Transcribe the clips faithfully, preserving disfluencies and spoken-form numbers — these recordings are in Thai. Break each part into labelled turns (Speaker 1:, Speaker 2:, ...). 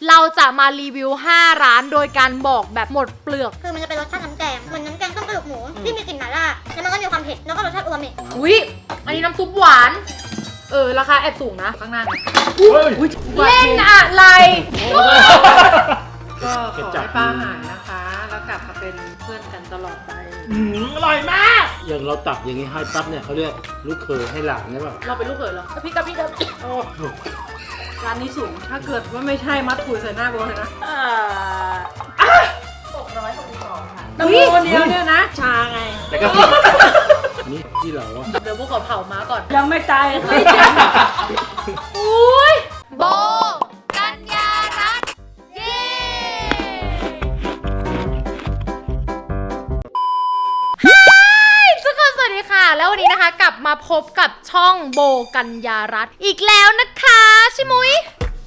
Speaker 1: เราจะมารีวิวห้าร้านโดยการบอกแบบหมดเปลือก
Speaker 2: คือมันจะเป็นรสชาติน้ำแกงเหมือนน้ำแกงต้มกระดูกหมูที่มีกลิ่นหม่าล่าแล้วมันก็มีความเผ็ดแล้วก็รสชาติอูมามิ
Speaker 1: อุ้ยอันนี้น้ำซุปหวานเออราคาแอบสูงนะข้างหน้าเล่นอะไร
Speaker 3: ก็ขอให้ป้าหายนะคะ แล้วกลับมาเป็นเพื่อนกันตลอดไป
Speaker 4: อืมอร่อยมากอย่างเราตักอย่างนี้ให้ปั๊บเนี่ยเขาเรียกลูกเขยให้หลานใช่ป่ะ
Speaker 1: เราเป็นลูกเขยเหรอพี่กับพี่กับ
Speaker 3: โอ้ร้านนี้สูงถ้าเกิดว่าไม่ใช่มัดถุยใส่หน้าโบเลยนะ
Speaker 1: หกร้อยหกสิบสองค่ะ
Speaker 3: น้ำโบเดียวเนี่ยนะชาไง
Speaker 4: แต่ก็นี่ที่เราอะ
Speaker 1: เดี๋ยวพวกเขาเผาม้าก่อน
Speaker 3: ยังไม่ตาย
Speaker 1: ไม่ใช่อุ้ยโบกัญญารัตน์เย้ทุกคนสวัสดีค่ะแล้ววันนี้นะคะกลับมาพบกับช่องโบกัญญารัตน์อีกแล้วนะคะชิมุย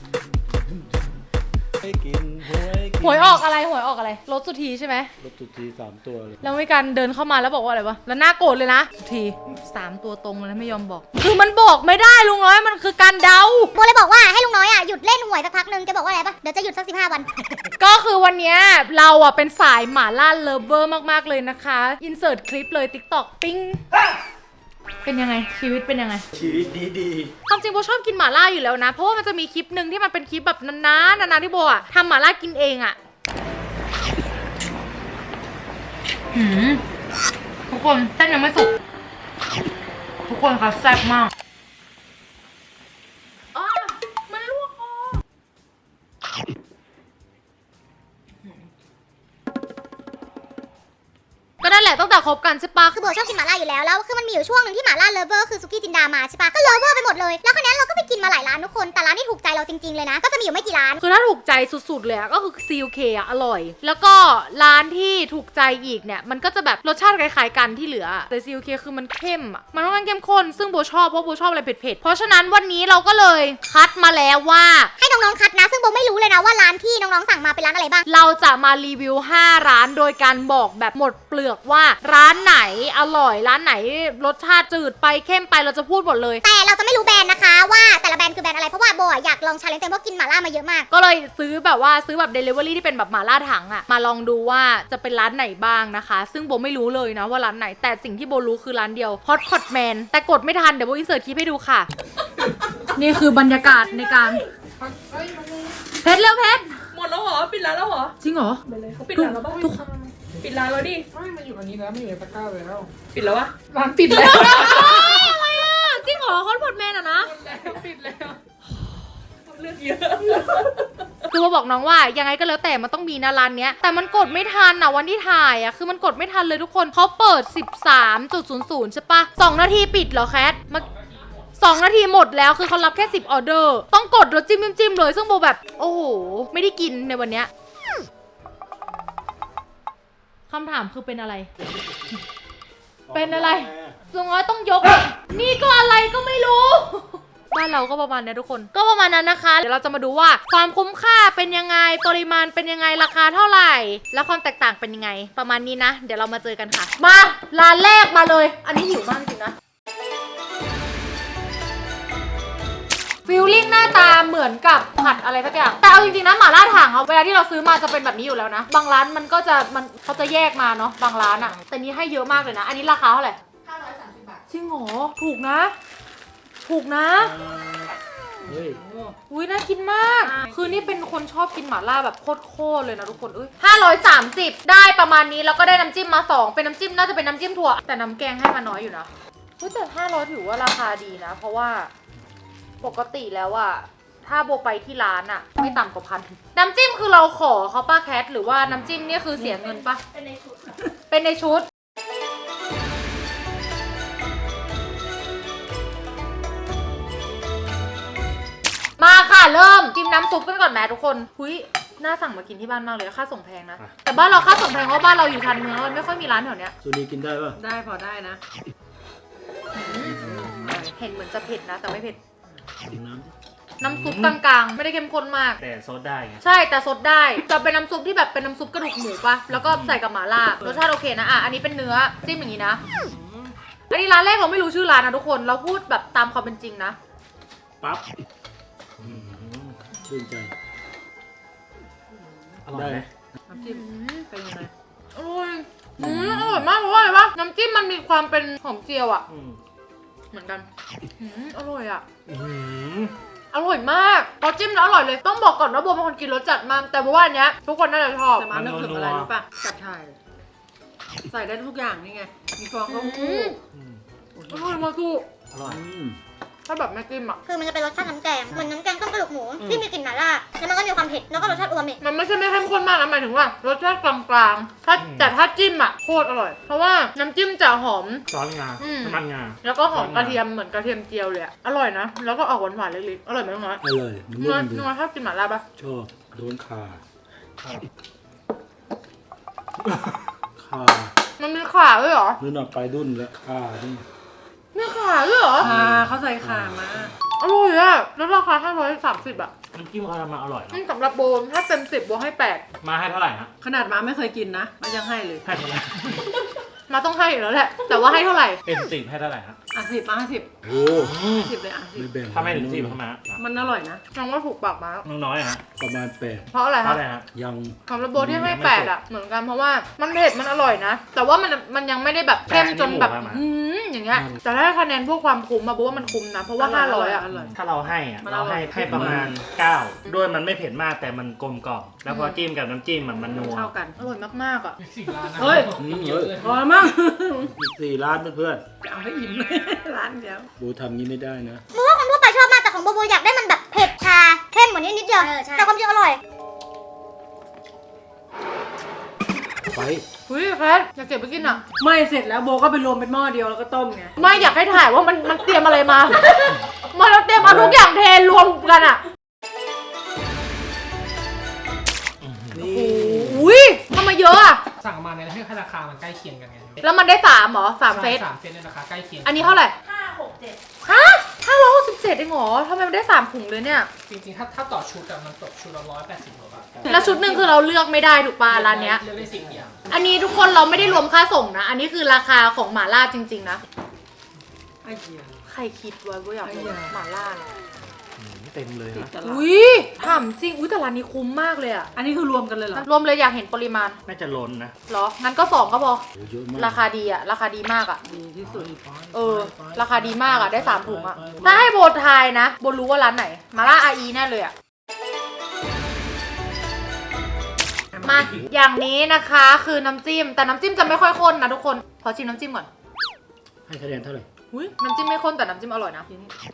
Speaker 1: หวยออกอะไรหวยออกอะไรรถสุธีใช่ไหม
Speaker 4: รถสุธีสามตัวเลย
Speaker 1: แล้วมีการเดินเข้ามาแล้วบอกว่าอะไรวะแล้วหน้าโกรธเลยนะสุธีสามตัวตรงเลยนะไม่ยอมบอกคือมันบอกไม่ได้ลุงน้อยมันคือการเดา
Speaker 2: โบเลยบอกว่าให้ลุงน้อยอ่ะหยุดเล่นหวยสักพักนึงแกบอกว่าอะไรปะเดี๋ยวจะหยุดสักสิบห้าวัน
Speaker 1: ก็คือวันนี้เราอ่ะเป็นสายหม่าล่าเลิฟเวอร์มากๆเลยนะคะอินเสิร์ตคลิปเลย ติ๊กต็อก ปิ้งเป็นยังไงชีวิตเป็นยังไง
Speaker 4: ชีวิตดีดี
Speaker 1: ความจริงโบชอบกินหม่าล่าอยู่แล้วนะเพราะว่ามันจะมีคลิปหนึ่งที่มันเป็นคลิปแบบนานๆนานๆที่โบอ่ะทำหม่าล่ากินเองอ่ะหืมทุกคนเส้นยังไม่สุกทุกคนคะแซ่บมากอ๋อมันลวกคอก็นั่นแหละตั้งแต่คบกันใช่ปะ
Speaker 2: คือโบชอบกินหม่าล่าอยู่แล้วแล้วคือมันมีอยู่ช่วงหนึ่งที่หม่าล่าเลิฟเวอร์คือซุกี้จินดามาใช่ปะก็เลิฟเวอร์ไปหมดเลยแล้วครั้งนี้เราก็ไปกินมาหลายร้านทุกคนแต่ร้านที่ถูกใจเราจริงๆเลยนะก็จะมีอยู่ไม่กี่ร้าน
Speaker 1: คือถ้าถูกใจสุดๆเลยก็คือ ซี โอ เค อ่ะอร่อยแล้วก็ร้านที่ถูกใจอีกเนี่ยมันก็จะแบบรสชาติคล้ายๆกันที่เหลือแต่ ซี โอ เค คือมันเข้มอ่ะมันค่อนข้างเข้มข้นซึ่งโบชอบเพราะโบชอบอะไรเผ็ดๆเพราะฉะนั้นวันนี้เราก็เลยคัดมาแล้วว่า
Speaker 2: ให้น้องๆคัดนะซึ่งโบไม่รู้เลยนะว่าร้านที่น้องๆสั่งมาเป็นร้านอะไรบ้าง
Speaker 1: เราจะมารีวิวห้าร้านโดยการบอกแบบหมดเปลือกว่าร้านไหนอร่อยร้านไหนรสชาติจืดไปเข้มไปเราจะพูดหมดเลย
Speaker 2: แต่เราจะไม่รู้แบรนด์นะคะว่าแต่ละแบรนด์คือแบรนด์อะไรเพราะว่าโบอยากลองชาเลนจ์ตัวเองเพราะกินหม่าล่ามาเยอะมาก
Speaker 1: ก็เลยซื้อแบบว่าซื้อแบบ Delivery ที่เป็นแบบหม่าล่าถังอะมาลองดูว่าจะเป็นร้านไหนบ้างนะคะซึ่งโบไม่รู้เลยนะว่าร้านไหนแต่สิ่งที่โบรู้คือร้านเดียว Hot Pot Man แต่กดไม่ทันเดี๋ยวโบอินเสิร์ตคลิปให้ดูค่ะ นี่คือบรรยากาศในการเพชรเร็วเพชร
Speaker 3: หมดแล้วเหรอปิดร้านแล้วเหรอ
Speaker 1: จริงเหรอ
Speaker 3: เขาปิดร้านแล้วป่ะทุกปิดร้านแล้วดิ
Speaker 5: ไม่มันอยู่อันนี้แล้วมันอยู่ในตะกร้าเลยแล้ว
Speaker 3: ปิดแล้ววะ
Speaker 5: ร้านปิดแล้ว
Speaker 1: อะไรอ่ะจริงเหรอ Hot Pot Man อะนะ
Speaker 5: ปิดแล้ว
Speaker 3: เลือกเยอะ
Speaker 1: คือมาบอกน้องว่ายังไงก็แล้วแต่มันต้องมีนะร้านเนี้ยแต่มันกดไม่ทันอะวันที่ถ่ายอะคือมันกดไม่ทันเลยทุกคนเขาเปิด สิบสามจุดศูนย์ศูนย์ ใช่ปะสองนาทีปิดเหรอแคทมาสองนาทีหมดแล้วคือเขารับแค่สิบออเดอร์ต้องกดรสจิ้มจิ้มเลยซึ่งโบแบบโอ้โหไม่ได้กินในวันเนี้ยคำถามคือเป็นอะไรเป็นอะไรลุงน้อยต้องยกนี่ก็อะไรก็ไม่รู้บ้านเราก็ประมาณนี้ทุกคนก็ประมาณนั้นนะคะเดี๋ยวเราจะมาดูว่าความคุ้มค่าเป็นยังไงปริมาณเป็นยังไงราคาเท่าไหร่แล้วความแตกต่างเป็นยังไงประมาณนี้นะเดี๋ยวเรามาเจอกันค่ะมาร้านแรกมาเลยอันนี้หิวมากจริงนะฟิลลิ่งหน้าตาเหมือนกับผัดอะไรสักอย่างแต่เอาจริงๆนะหม่าล่าถังอะเวลาที่เราซื้อมาจะเป็นแบบนี้อยู่แล้วนะบางร้านมันก็จะมันเขาจะแยกมาเนาะบางร้านอะแต่นี้ให้เยอะมากเลยนะอันนี้ราคาเท่าไหร่ห้าร้อยสามสิบบาทจริงเหรอถูกนะถูกนะเฮ้ยอุ้ยน่ากินมากคือนี่เป็นคนชอบกินหม่าล่าแบบโคตรๆเลยนะทุกคนเอ้ยห้าร้อยสามสิบได้ประมาณนี้แล้วก็ได้น้ำจิ้มมาสองเป็นน้ำจิ้มน่าจะเป็นน้ำจิ้มถั่วแต่น้ำแกงให้มาน้อยอยู่นะเฮ้ยแต่ห้าร้อยถือว่าราคาดีนะเพราะว่าปกติแล้วอะถ้าโบไปที่ร้านอะไม่ต่ำกว่าพันน้ำจิ้มคือเราขอเขาป้าแคทหรือว่าน้ำจิ้มเนี่ยคือเสียเงินปะเป็นในชุดเป็นในชุดมาค่ะเริ่มจิ้มน้ำซุปกันก่อนแม่ทุกคนหุยน่าสั่งมากินที่บ้านมากเลยค่าส่งแพงนะแต่บ้านเราค่าส่งแพงเพราะบ้านเราอยู่ชานเมืองแล้วมันไม่ค่อยมีร้านแถวเนี้ย
Speaker 4: ซูนีกินได้ป่ะ
Speaker 3: ได้พอได้นะ
Speaker 1: เห็นเหมือนจะเผ็ดนะแต่ไม่เผ็ด
Speaker 4: น้
Speaker 1: ำน้ำซุปกลางๆไม่ได้เข้มข้นมาก
Speaker 4: แต่ซดได้ไง
Speaker 1: ใช่แต่ซดได้จะเป็นน้ำซุปที่แบบเป็นน้ำซุปกระดูกหมูปะแล้วก็ใส่กับหม่าล่ารสชาติโอเคนะอ่ะอันนี้เป็นเนื้อจิ้มอย่างนี้นะอันนี้ร้านแรกเราไม่รู้ชื่อร้านนะทุกคนเราพูดแบบตามความเป็นจริงนะ
Speaker 4: ปั๊บชื่นใจร่อยไหม
Speaker 3: น้ำจิ้มเป็นยังไง
Speaker 1: อร่อยอืมอร่อยมากเพราะว่าอะไรวะน้ำจิ้มมันมีความเป็นหอมเจียวอ่ะ
Speaker 4: อืม
Speaker 1: เหมือนกันอืมอร่อยอ่ะ
Speaker 4: อืม
Speaker 1: อร่อยมากพอจิ้มแล้วอร่อยเลย ต้องบอกก่อนว่าโบเป็นคนกินรสจัดมาก แต่โบว่าอันเนี้ยทุกคนน่าจะชอบ
Speaker 3: แต่มานึกถึงอะไรรู้ป่ะจับฉ่ายใส่ได้ทุกอย่างนี่ไง มีฟองเต้าหู้
Speaker 4: อืม
Speaker 1: อร่อยมากกู
Speaker 4: อร่อย
Speaker 1: ถ้าแบบไม่จิ้มอ่ะ
Speaker 2: คือมันจะเป็นรสชาติน้ำแกงเหมือนน้ำแกงต้มกระดูกหมูที่มีกลิ่นหม่าล่าแล้วมันก็มีความเผ็ดแล้วก็รสชาติอูมามิ
Speaker 1: มันไม่ใช่ไม่เข้มข้นมากนะหมายถึงว่ารสชาติกลางๆถ้าแต่ถ้าจิ้มอ่ะโคตรอร่อย เพราะว่าน้ำจิ้มจะหอม
Speaker 4: ซอสงา
Speaker 1: อืม
Speaker 4: น้ำมันงา
Speaker 1: แล้วก็หอมกระเทียมเหมือนกระเทียมเจียวเลยอะอร่อยนะ แล้วก็ออกหวานๆเล็กๆ อร่อยไหมน้องน้อย
Speaker 4: อร่อยมัน
Speaker 1: น้
Speaker 4: นุ่
Speaker 1: อย
Speaker 4: มดี
Speaker 1: น้อยชอบกินหม่าล่าปะ
Speaker 4: ชอบโดนขาขา
Speaker 1: มันมีข่าด้วยเหรอ
Speaker 4: นู่นน่ะไปดุนแล้วขานี่
Speaker 1: มีข่าด้วยเหรอ
Speaker 3: อ่าเขาใส่ข่ามา
Speaker 1: อร่อยอะแล้วราคาห้าร้อยสามสิบอะ
Speaker 4: น้ำจิ้มเขาทำมาอร่อย
Speaker 1: นี่
Speaker 4: เนาะ
Speaker 1: สำหรับโบนถ้าเต็มสิบโบให้แปด
Speaker 4: มาให้เท่าไหร่ฮะ
Speaker 3: ขนาดมาไม่เคยกินนะมายังให้เลย
Speaker 4: ให้เท่าไหร่
Speaker 1: มาต้องให้อยู่แล้วแหละ แต่ว่าให้เท่าไหร่
Speaker 4: เป็นสิบให้เท่าไหร่ฮะ
Speaker 3: อ่ะสิบมาสิบ
Speaker 4: โอ้
Speaker 3: สิบเลยอ่ะสิ
Speaker 4: ไม่
Speaker 3: บ
Speaker 4: แบ่งถ้าไม่ถึงสิบทำไมฮะ
Speaker 3: มันอร่อยนะ
Speaker 1: น้องว่าถูกปากมา
Speaker 4: น้องน้อยฮะประมาณแปด
Speaker 1: เพราะอะไร
Speaker 4: เท่า
Speaker 1: คะ
Speaker 4: ไหร่ฮะ
Speaker 3: ยัง
Speaker 1: สำหรับโบที่ให้แปดอะเหมือนกันเพราะว่ามันเผ็ดมันอร่อยนะ แต่ว่ามันมันยังไม่ได้แบบเข้มจนแบบอืมอย่างเงี้ย แต่ถ้าคะแนนพวกความคุ้มอะโบว่ามันคุ้มนะ เพราะว่าห้าร้อยอะ
Speaker 3: อร่อย
Speaker 6: ถ้าเราให้อะ
Speaker 3: มัน
Speaker 6: เราให้
Speaker 3: อร่อย
Speaker 6: ให้ประมาณเก้าด้วยมันไม่เผ็ดมากแต่มันกลมกล่อมแล้วพอจิ้มกับน้ำจิ้มมันมันนัว
Speaker 3: เข้ากัน
Speaker 1: อร่อยมากๆอะ
Speaker 5: สี่ล้านนะ
Speaker 3: เฮ้ย
Speaker 4: อืมเฮ้ย
Speaker 3: พอมั้ง
Speaker 4: อีกสี่ล้านเพื่อน
Speaker 3: เอาให้อิ่มเลยร้านเดียว
Speaker 4: ๆบูทำงี้ไม่ได้นะ
Speaker 2: โบว่าคนทั่วไปชอบมากแต่ของโบโบอยากได้มันแบบเผ็ดชาเข้มเหมือนนี้นิดเดียวแต่ความจริงอร่อย
Speaker 4: ไป
Speaker 1: เฮ้ยแคทอยากเก็บไปกินอะ
Speaker 3: ไม่เสร็จแล้วโบก็ไปรวมเป็นหม้อเดียวแล้วก็ต้มไง
Speaker 1: ไม่อยากให้ถ่ายว่ามันมันเตรียมอะไรมา มันเตรียมเอาทุกอย่างเทรวมกันอะ
Speaker 4: นี่
Speaker 1: อุ้ยทำไมเยอะอะ
Speaker 5: สั่งมาเนี่ยให้ราคามันใกล้เคียงกันไง
Speaker 1: แล้วมันได้สามเหรอสามเซต
Speaker 5: สามเซตในราคาใกล้เคียง
Speaker 1: อันนี้เท่าไหร่ห้าหกเจ็ดฮะห้าร้อยหกสิบเศษเองเหรอทำไมมันได้สามถุงเลยเนี่ย
Speaker 5: จริงๆ ถ้าถ้าต่อชุดอะมันตกชุดละร้อยแปดสิบกว่าบาท
Speaker 1: แล้วชุดหนึ่งคือเราเลือกไม่ได้ถูกปะร้านเนี้ย
Speaker 5: เลือกได้สิบอย่าง
Speaker 1: อันนี้ทุกคนเราไม่ได้รวมค่าส่งนะ อันนี้คือราคาของหม่าล่าจริง ๆ นะ
Speaker 3: ไอ้เหี้ย
Speaker 1: ใครคิดไว้ว่าอยากรู้หม่าล่าเนี่ย
Speaker 6: เต็มเลย
Speaker 3: ติด
Speaker 6: นะ
Speaker 3: ตลาด
Speaker 1: อุ้ยถามจริง อุ้ยแต่ร้านนี้คุ้มมากเลยอะ
Speaker 3: อันนี้คือรวมกันเลยเหรอ
Speaker 1: รวมเลยอยากเห็นปริมาณ
Speaker 6: น่าจะล้นนะ
Speaker 1: เหรอ งั้นก็สองก็พอ
Speaker 4: โอ้เยอะมาก
Speaker 1: ราคาดีอะราคาดีมากอะ
Speaker 3: ดีที่สุด
Speaker 1: เออ ราคาดีมากอะได้สามถุงอะถ้าให้โบทายนะ โบรู้ว่าร้านไหน มาล่าอาอีแน่เลยอะมา อย่างนี้นะคะคือน้ำจิ้ม แต่น้ำจิ้มจะไม่ค่อยข้นนะทุกคน ขอชิมน้ำจิ้มก่อน
Speaker 4: ให้คะแนนเท่าไหร่
Speaker 1: อุ้ยน้ำจิ้มไม่ข้นแต่น้ำจิ้มอร่อยนะ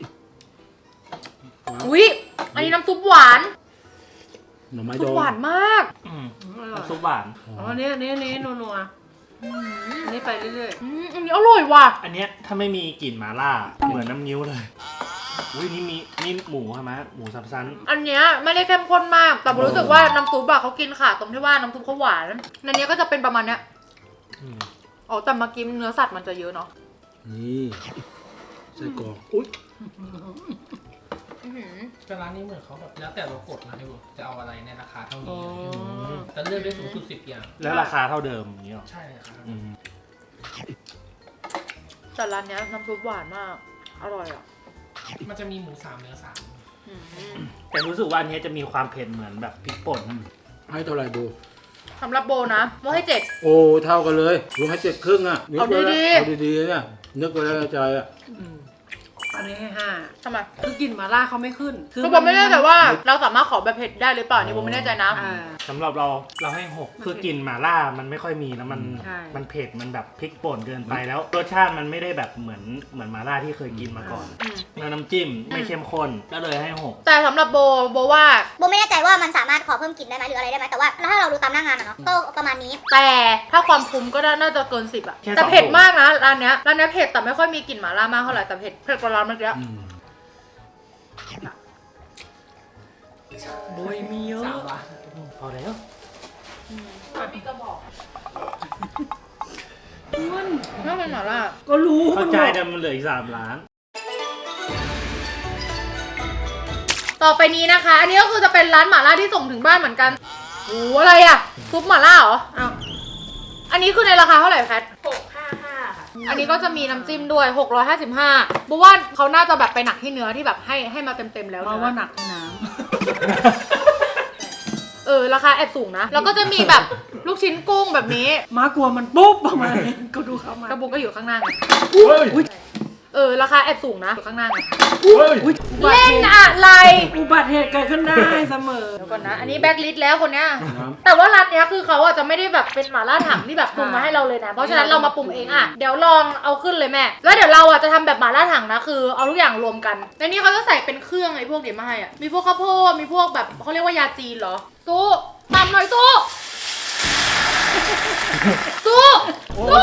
Speaker 4: ว้าว
Speaker 1: อุ้ยอันนี้น้ำซุปหวาน
Speaker 4: หน่อไม้
Speaker 1: ซุ
Speaker 4: ด
Speaker 1: ป
Speaker 4: อง
Speaker 1: หวานมาก
Speaker 6: อืม
Speaker 3: อร่อย
Speaker 6: น้ำซุปหวาน
Speaker 3: อ๋ออันนี้อันนี้อันนี้นัวๆอันนี้ไปเรื่อย
Speaker 1: อืมอันนี้อร่อยว่ะ
Speaker 6: อันเนี้ยถ้าไม่มีกลิ่นหมาล่าเหมือนน้ำนิ้วเลยอุ้ยนี่มีนี่หมูใช่ไหมหมูสับซัน
Speaker 1: อันเนี้ยไม่ได้เข้มข้นมาก แต่รู้สึกว่าน้ำซุปอะเขากินขาดตรงที่ว่าน้ำซุปเขาหวานในเนี้ยก็จะเป็นประมาณเนี้ย
Speaker 6: อืม
Speaker 1: อ๋อแต่เมื่อกี้เนื้อสัตว์มันจะเยอะเนาะ
Speaker 4: นี่ไส้กรอกอุ้ย
Speaker 1: อื้อหือ
Speaker 5: แต่ร้านนี้เหมือนเขาแบบแล้วแต่เรากดนะให้ดูจะเอาอะไรในราคาเท่า
Speaker 3: ๆอ๋
Speaker 5: นี้
Speaker 3: อ
Speaker 5: แต่เลือกได้สูงสุดสิบอย่าง
Speaker 6: แล้วราคาเท่าเดิมอย่างนี้หรอ
Speaker 5: ใช่เลยครับ
Speaker 6: อืม
Speaker 1: แต่ร้านเนี้ยน้ำซุปหวานมาก อร่อยอ่ะ
Speaker 5: มันจะมีหมูสามเนื้อสาม
Speaker 1: อืม
Speaker 6: แต่รู้สึกว่าอันเนี้ยจะมีความเผ็ดเหมือนแบบพริกป่น
Speaker 4: ให้เท่าไหร่ดู
Speaker 1: สำหรับโบนะโบให้เจ็ด
Speaker 4: โอ้เท่ากันเลยลุงให้เจ็ดครึ่งอ่ะนึก
Speaker 1: เอา
Speaker 4: ไว้แล้ว
Speaker 1: ดีๆ
Speaker 4: เอาดีๆเนี่ยนึกไว้แล้วในใจอ่ะ
Speaker 3: อืมอันนี้ให้ห้า
Speaker 1: ทำไม
Speaker 3: คือกลิ่นหมาล่าเขาไม่ขึ้น
Speaker 1: คือโบไม่แน่ใจว่าเราสามารถขอแบบเผ็ดได้หรือเปล่านี่โบไม่แน่ใจนะ
Speaker 3: อ่า
Speaker 6: สำหรับเราเราให้หกคือกลิ่นหม่าล่ามันไม่ค่อยมีแล้วมัน
Speaker 3: ใช่
Speaker 6: มันเผ็ดมันแบบพริกป่นเกินไปแล้วรสชาติมันไม่ได้แบบเหมือนเหมือนหม่าล่าที่เคยกินมาก่อน
Speaker 1: อืม
Speaker 6: แล้วน้ำจิ้มไม่เข้มข้นก็เลยให้หก
Speaker 1: แต่สำหรับโบโบว่า
Speaker 2: โบไม่แน่ใจว่ามันสามารถขอเพิ่มกลิ่นได้ไหมหรืออะไรได้ไหมแต่ว่าถ้าเราดูตามหน้างานอะเนาะก็ประมาณนี้
Speaker 1: แต่ถ้าความคุ้มก็น่าจะเกินสิบอะ
Speaker 6: แค่
Speaker 1: แต่
Speaker 6: สอง
Speaker 1: เผ็ด
Speaker 6: ถุง
Speaker 1: มากนะร้านเนี้ยร้านเนี้ยเผ็ดแต่ไม่ค่อยมีกลิ่นหม่าล่ามากเท่าไหร่แต่เผ็ดเผ็ดกว่าร้านเมื่อกี้
Speaker 4: อืม
Speaker 3: โบยมีเยอะ
Speaker 5: สามล้าน
Speaker 6: พอแล้ว
Speaker 1: พี่ก็บอก
Speaker 3: มัน
Speaker 1: ไม่เป็นหม่าล่า
Speaker 3: ก็รู้
Speaker 6: เข้าใจ
Speaker 3: มัน
Speaker 6: แต่มันเหลืออีกสามล้าน
Speaker 1: ต่อไปนี้นะคะ อันนี้ก็คือจะเป็นร้านหม่าล่าที่ส่งถึงบ้านเหมือนกันโอ้อะไรอะซุปหม่าล่าเหรอ
Speaker 3: อ้าว
Speaker 1: อันนี้คือในราคาเท่าไหร่แพท
Speaker 7: หกห้าห้าค่ะ
Speaker 1: อันนี้ก็จะมีน้ำจิ้มด้วยหกร้อยห้าสิบห้าบุว่าเขาน่าจะแบบไปหนักที่เนื้อที่แบบให้ให้มาเต็มๆแล้ว
Speaker 3: มา
Speaker 1: เนื้อ
Speaker 3: ว่าหนักที่น้
Speaker 1: เออราคาแอบสูงนะ แล้วก็จะมีแบบลูกชิ้นกุ้งแบบนี้
Speaker 3: มากลัวมันปุ๊บประมาณนี้ก็ดูเขามาก
Speaker 1: ระบุกก็อยู่ข้างหน้าไง
Speaker 6: เฮ้ย
Speaker 1: เออราคาแอบสูงนะอยู่ข้างหน้าไง
Speaker 6: เฮ้ย
Speaker 3: อุ๊ยอุบัติ
Speaker 1: เล่น
Speaker 3: เหตุ
Speaker 1: อะไร
Speaker 3: อุบัติเหตุเกิดขึ้นได้เสมอ
Speaker 1: เดี๋ยวก่อนนะ อันนี้แบ็คลิสต์แล้วคนเนี้ย
Speaker 4: น้ำ
Speaker 1: แต่ว่าร้านเนี้ยคือเขาอ่ะจะไม่ได้แบบเป็นหม่าล่าถังที่แบบปรุงมาให้เราเลยนะ เพราะฉะนั้นเรามาปรุงเองอ่ะ เดี๋ยวลองเอาขึ้นเลยแม่ แล้วเดี๋ยวเราอ่ะจะทำแบบหม่าล่าถังนะคือเอาทุกอย่างรวมกันในนี้เขาจะใส่เป็นเครื่องไอ้พวกเดี๋ยวมาให้อ่ะ มีพวกข้าวโพด มีพวกแบบเขาเรียกว่ายาจีนเหรอ สู้ตำหน่อยสู้สู้สู้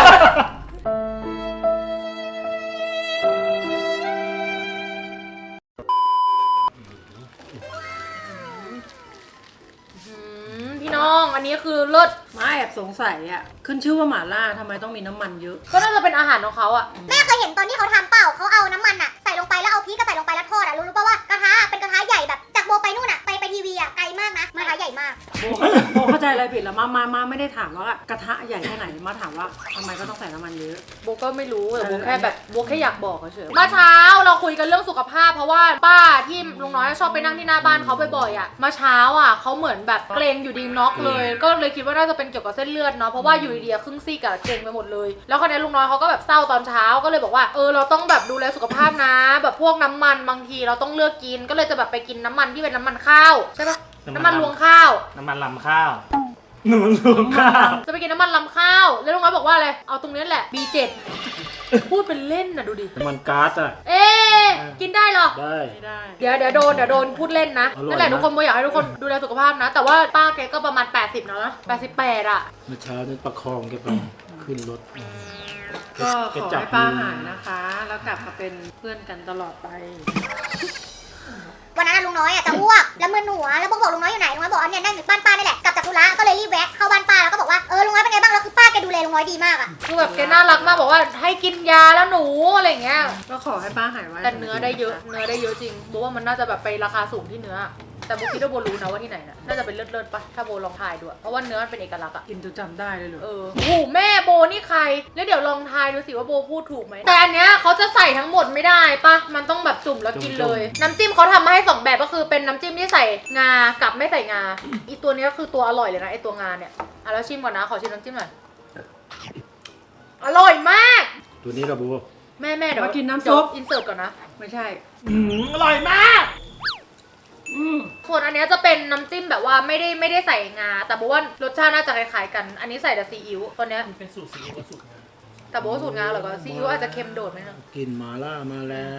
Speaker 1: อืมพี่น้องอันนี้คือเลิศ
Speaker 3: มาแอบสงสัยอ่ะ ขึ้นชื่อว่าหม่าล่าทำไมต้องมีน้ำมันเยอะ
Speaker 1: ก็น่าจะเป็นอาหารของเขาอ่ะ
Speaker 2: แม่เคยเห็นตอนที่เขาทำเปล่าเขาเอาน้ำมันอะใส่ลงไปแล้วเอาพริกก็ใส่ลงไปแล้วทอดอะรู้รู้ป่าวว่ากระทะเป็นกระทะใหญ่แบบจากโบไปนู่นอะไปไปทีวีอะไกลมากนะกระทะใหญ่มาก
Speaker 3: โบโบเข้าใจอะไรผิดแล้วมามามาไม่ได้ถามว่ากระทะใหญ่แค่ไหนมาถามว่าทำไมก็ต้องใส่น้ำมันเยอะ
Speaker 1: โบก็ไม่รู้แต่โบ
Speaker 3: เออ
Speaker 1: แค่แบบโบแค่อยากบอกเฉยๆเมื่อเช้าเราคุยกันเรื่องสุขภาพเพราะว่าป้าที่ลุงน้อยชอบไปนั่งที่หน้าบ้านเขาบ่อยๆอ่ะเมื่อเช้าอ่ะเขาเหมือนแบบเกรงอยู่ดีน็อกเลย ก็เลยคิดว่าน่าจะเป็นเกี่ยวกับเส้นเลือดเนาะเพราะว่าอยู่ดีๆครึ่งซี่กับเกรงไปหมดเลย แล้วคราวนี้ลุงน้อยเขาก็แบบเศร้าตอนเช้าก็เลยบอกว่าเออเราต้องแบบดูแลสุขภาพนะ แบบพวกน้ำมันบางทีเราต้องเลือกกินก็เลยจะแบบไปกินน้ำมันที่เป็นน้ำมันข้าวใช่ปะน้ำมันรวงข้าว
Speaker 6: น้ำมันลำข้าวน้ำมันลำข้าว
Speaker 1: จะไปกินน้ำมันลำข้าวแล้วลุงน้อยบอกว่าอะไรเอาตรงนี้แหละ บี เจ็ด พูดเป็นเล่นนะดูดิ
Speaker 4: น้ำมันก๊าซอ่ะ
Speaker 1: เอ๊ะกินได้เหรอ
Speaker 4: ได้
Speaker 3: ไม่ได้
Speaker 1: เดี๋ยวเดี๋ยวโดนเดี๋ยวโดนพูดเล่นนะ
Speaker 4: อร่อยนะ
Speaker 1: นั่นแหละทุกคนโมอยากให้ทุกคนดูแลสุขภาพนะ แต่ว่าป้าแกก็ประมาณแปดสิบแล้วนะแปดสิบแปดอ่ะ
Speaker 4: เมื่อเช้านี้ประคองแกไปขึ้นรถ
Speaker 3: ก็ข
Speaker 4: แก
Speaker 3: อ
Speaker 4: จับ
Speaker 3: ให้ป้า
Speaker 4: มือ
Speaker 3: หายนะคะ แล้วกลับมาเป็นเพื่อนกันตลอดไป
Speaker 2: วันนั้นอะลุงน้อยอะจะอ้วกแล้วมึนหัวแล้วบอกบอกลุงน้อยอยู่ไหนลุงน้อยบอกว่าเนี่ยนั่งอยู่บ้านป้านี่แหละกลับจากธุระก็เลยรีบแวะเข้าบ้านป้าแล้วก็บอกว่าเออลุงน้อยเป็นไงบ้างแล้วคือป้าแกดูแลลุงน้อยดีมากอะ
Speaker 1: คือแบบแกน่ารักมากบอกว่าให้กินยาแล้วหนูอะไรอย่างเงี้ย
Speaker 3: ก็ขอให้ป้าหายไว
Speaker 1: แต่เนื้อได้เยอะเนื้อได้เยอะจริงโบว่ามันน่าจะแบบไปราคาสูงที่เนื้อ แต่โบคิดว่าโบรู้นะว่าที่ไหนนะน่าจะเป็นเลิศๆปะถ้าโบลองทายดูอะเพราะว่าเนื้อมันเป็นเอกลักษณ์อะ
Speaker 3: กินจนจำได้เลยเหรอ
Speaker 1: เออโอ้โหแม่โบนี่ใคร แล้วเดี๋ยวลองทายดูสิว่าโบพูดถูกไหม แต่อันเนี้ยเขาจะใส่ทั้งหมดไม่ได้ปะมันต้องแบบจุ่มแล้วกินเลย น้ำจิ้มเขาทำมาให้สองแบบก็คือเป็นน้ำจิ้มที่ใส่งากับไม่ใส่งา อีตัวเนี้ยคือตัวอร่อยเลยนะไอตัวงาเนี่ยอ่ะแล้วชิมก่อนนะ ขอชิมน้ำจิ้มหน่อย อร่อยมาก
Speaker 4: ตัวนี้ระบุ
Speaker 1: แม่แม่เดี๋ยว
Speaker 3: มากินน้ำซุป
Speaker 1: อินเสิร์ตก่อนนะ
Speaker 3: ไม่ใช่
Speaker 6: อืมอร่อยมาก
Speaker 3: อืม
Speaker 1: ส่วนอันเนี้ยจะเป็นน้ำจิ้มแบบว่าไม่ได้ไม่ได้ใส่งา แต่โบว่ารสชาติน่าจะคล้ายๆกัน อันนี้ใส่แต่ซีอิ๊วตัวเนี้ย
Speaker 5: มันเป็นสูตรซีอิ๊วกับสูตรงา
Speaker 1: แต่โบว่าสูตรงาเหรอก็ซีอิ๊วอาจจะเค็มโดดไหมนะ
Speaker 4: กินหมาล่ามาแล้ว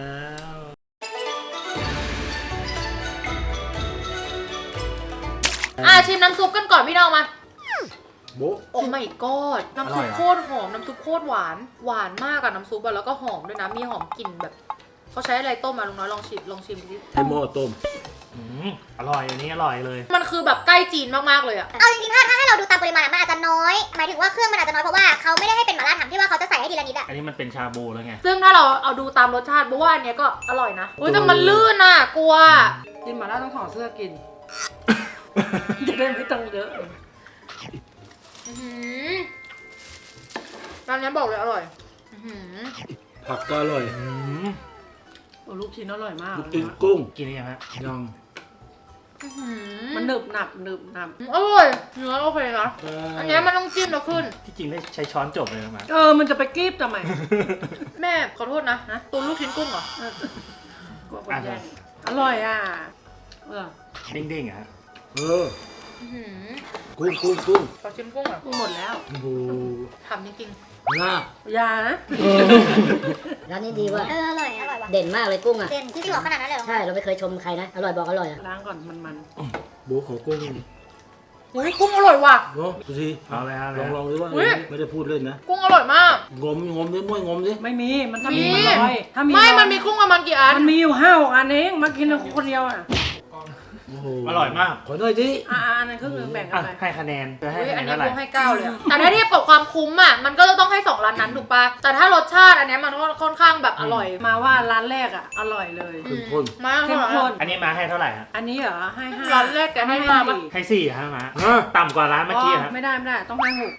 Speaker 1: อ่ะชิมน้ำซุปกันก่อนพี่น้องมา
Speaker 4: โบ๊ะ
Speaker 1: โอ้ไม่กอดน้ำซุปโคตรหอม น้ำซุปโคตรหวาน หวานมากอะน้ำซุปอะแล้วก็หอมด้วยนะ มีหอมกลิ่นแบบ เขาใช้อะไรต้มมาลุงน้อยลองชิมลองชิมดิ
Speaker 4: ให้หม้อต้ม
Speaker 6: อืมอร่อยอันนี้อร่อยเลย
Speaker 1: มันคือแบบใกล้จีนมากๆเลยอะ
Speaker 2: เอาจริงๆถ้าถ้าให้เราดูตามปริมาณอะมันอาจจะน้อยหมายถึงว่าเครื่องมันอาจจะน้อยเพราะว่าเขาไม่ได้ให้เป็นหม่าล่าถังที่ว่าเขาจะใส่ให้ทีละนิดอะ
Speaker 6: อันนี้มันเป็นชาบูแล้วไง
Speaker 1: ซึ่งถ้าเราเอาดูตามรสชาติบอกว่าอันเนี้ยก็อร่อยนะอุ้ยแต่มันลื่นอะกลัว
Speaker 3: กินหมาล่าต้องถอดเสื้อกิน จะได้ไม่ต้องเยอะ
Speaker 1: อื้อหือร้านนี้บอกเลยอร่อยอื้อหือ
Speaker 4: ผักก็อร่อย
Speaker 6: อืม
Speaker 3: โอ้ลูกชิ้นอร่อยมาก
Speaker 4: ลูกชิ้นกุ้ง
Speaker 6: กินได้ยังฮะ
Speaker 4: ยัง
Speaker 1: อื้อหือ
Speaker 3: มันหนึบหนับหนึบหนับ
Speaker 1: อร่อยเนื้อโอเคนะอันเนี้ยมันต้องจิ้มแล้วขึ้น
Speaker 6: ที่จริงได้ใช้ช้อนจบเลยนะมา
Speaker 3: เออ มันจะไปกรีบทำไม
Speaker 1: แม่ขอโทษนะนะตัวลูกชิ้นกุ้งเหรอ
Speaker 3: กลัวคนแย่งอร่อยอ่ะ เออ
Speaker 6: เด้งๆอะฮะ
Speaker 4: เออ
Speaker 1: อื้อหือ
Speaker 4: กุ้งกุ้งกุ้ง
Speaker 1: ขอชิมกุ้งอ่ะ
Speaker 3: กูหมดแล้ว
Speaker 4: โอ้โห
Speaker 1: ทำจริง
Speaker 4: น่าย
Speaker 3: านะ
Speaker 7: ร้านนี้ดีว่ะ
Speaker 2: เอออร่อยอร่อยว่ะ
Speaker 7: เด่นมากเลยกุ้งอ่ะ
Speaker 2: เด่นจริงๆเหรอขนาดนั้นเลยเหรอ
Speaker 7: ใช่ เราไม่เคยชมใครนะ อร่อยบอกอร่อยอ่ะ
Speaker 3: ล้างก่อนมันมัน
Speaker 4: โบ๊ะขอกุ้ง
Speaker 1: ๆอุ้ยกุ้งอร่อยว่ะ
Speaker 4: เนาะดูสิ
Speaker 6: เอาเลยฮะ
Speaker 4: ลองลองดูว่า
Speaker 1: อุ๊ย
Speaker 4: ไม่ได้พูดเล่นนะ
Speaker 1: กุ้งอร่อยมาก
Speaker 4: งมงมดิม้วยงมดิ
Speaker 3: ไม่มี มันถ้า
Speaker 1: มี
Speaker 3: มีมันน้อยถ้ามี
Speaker 1: ไม่
Speaker 3: อย
Speaker 1: มันมีกุ้งประมาณกี่อัน
Speaker 3: มันมีอยู่ห้าหกอันเองมากินคนเดียวอ่ะ
Speaker 4: โอ้โห
Speaker 6: อร่อยมาก
Speaker 4: ขอหน่อยดิ
Speaker 3: อ่าอันนั้นครึ่งหนึงแบ่งกั
Speaker 6: อ่ะ
Speaker 3: นไป
Speaker 6: ให้คะแนนจะให้
Speaker 1: อุ้ย
Speaker 6: คะแน
Speaker 1: อัน
Speaker 6: น
Speaker 1: นี้
Speaker 6: เท่าไหร่
Speaker 1: กุ้งให้เก้าเลยอะแต่ถ้าเทียบกับความคุ้มอ่ะมันก็จะต้องให้สองร้านนั้นถูกปะแต่ถ้ารสชาติอันเนี้ยมันก็ค่อนข้างแบบอร่อย
Speaker 3: มาว่าร้านแรกอ่ะ อร่อยเลย
Speaker 4: เข้มข้น
Speaker 1: มาก
Speaker 3: เข้มข้น
Speaker 6: อันนี้มาให้เท่าไหร่ฮะ
Speaker 3: อันนี้เหรอ ให้ห้า
Speaker 1: ร้านแรกแกให้มาปะ
Speaker 3: สี่
Speaker 6: ให้สี่ฮะมา
Speaker 4: ฮะ
Speaker 6: ต่ำกว่าร้านเมื่อกี้
Speaker 3: อ๋อ
Speaker 6: ฮะ
Speaker 3: ไม่ได้ไม่ได้ ต้องให้หก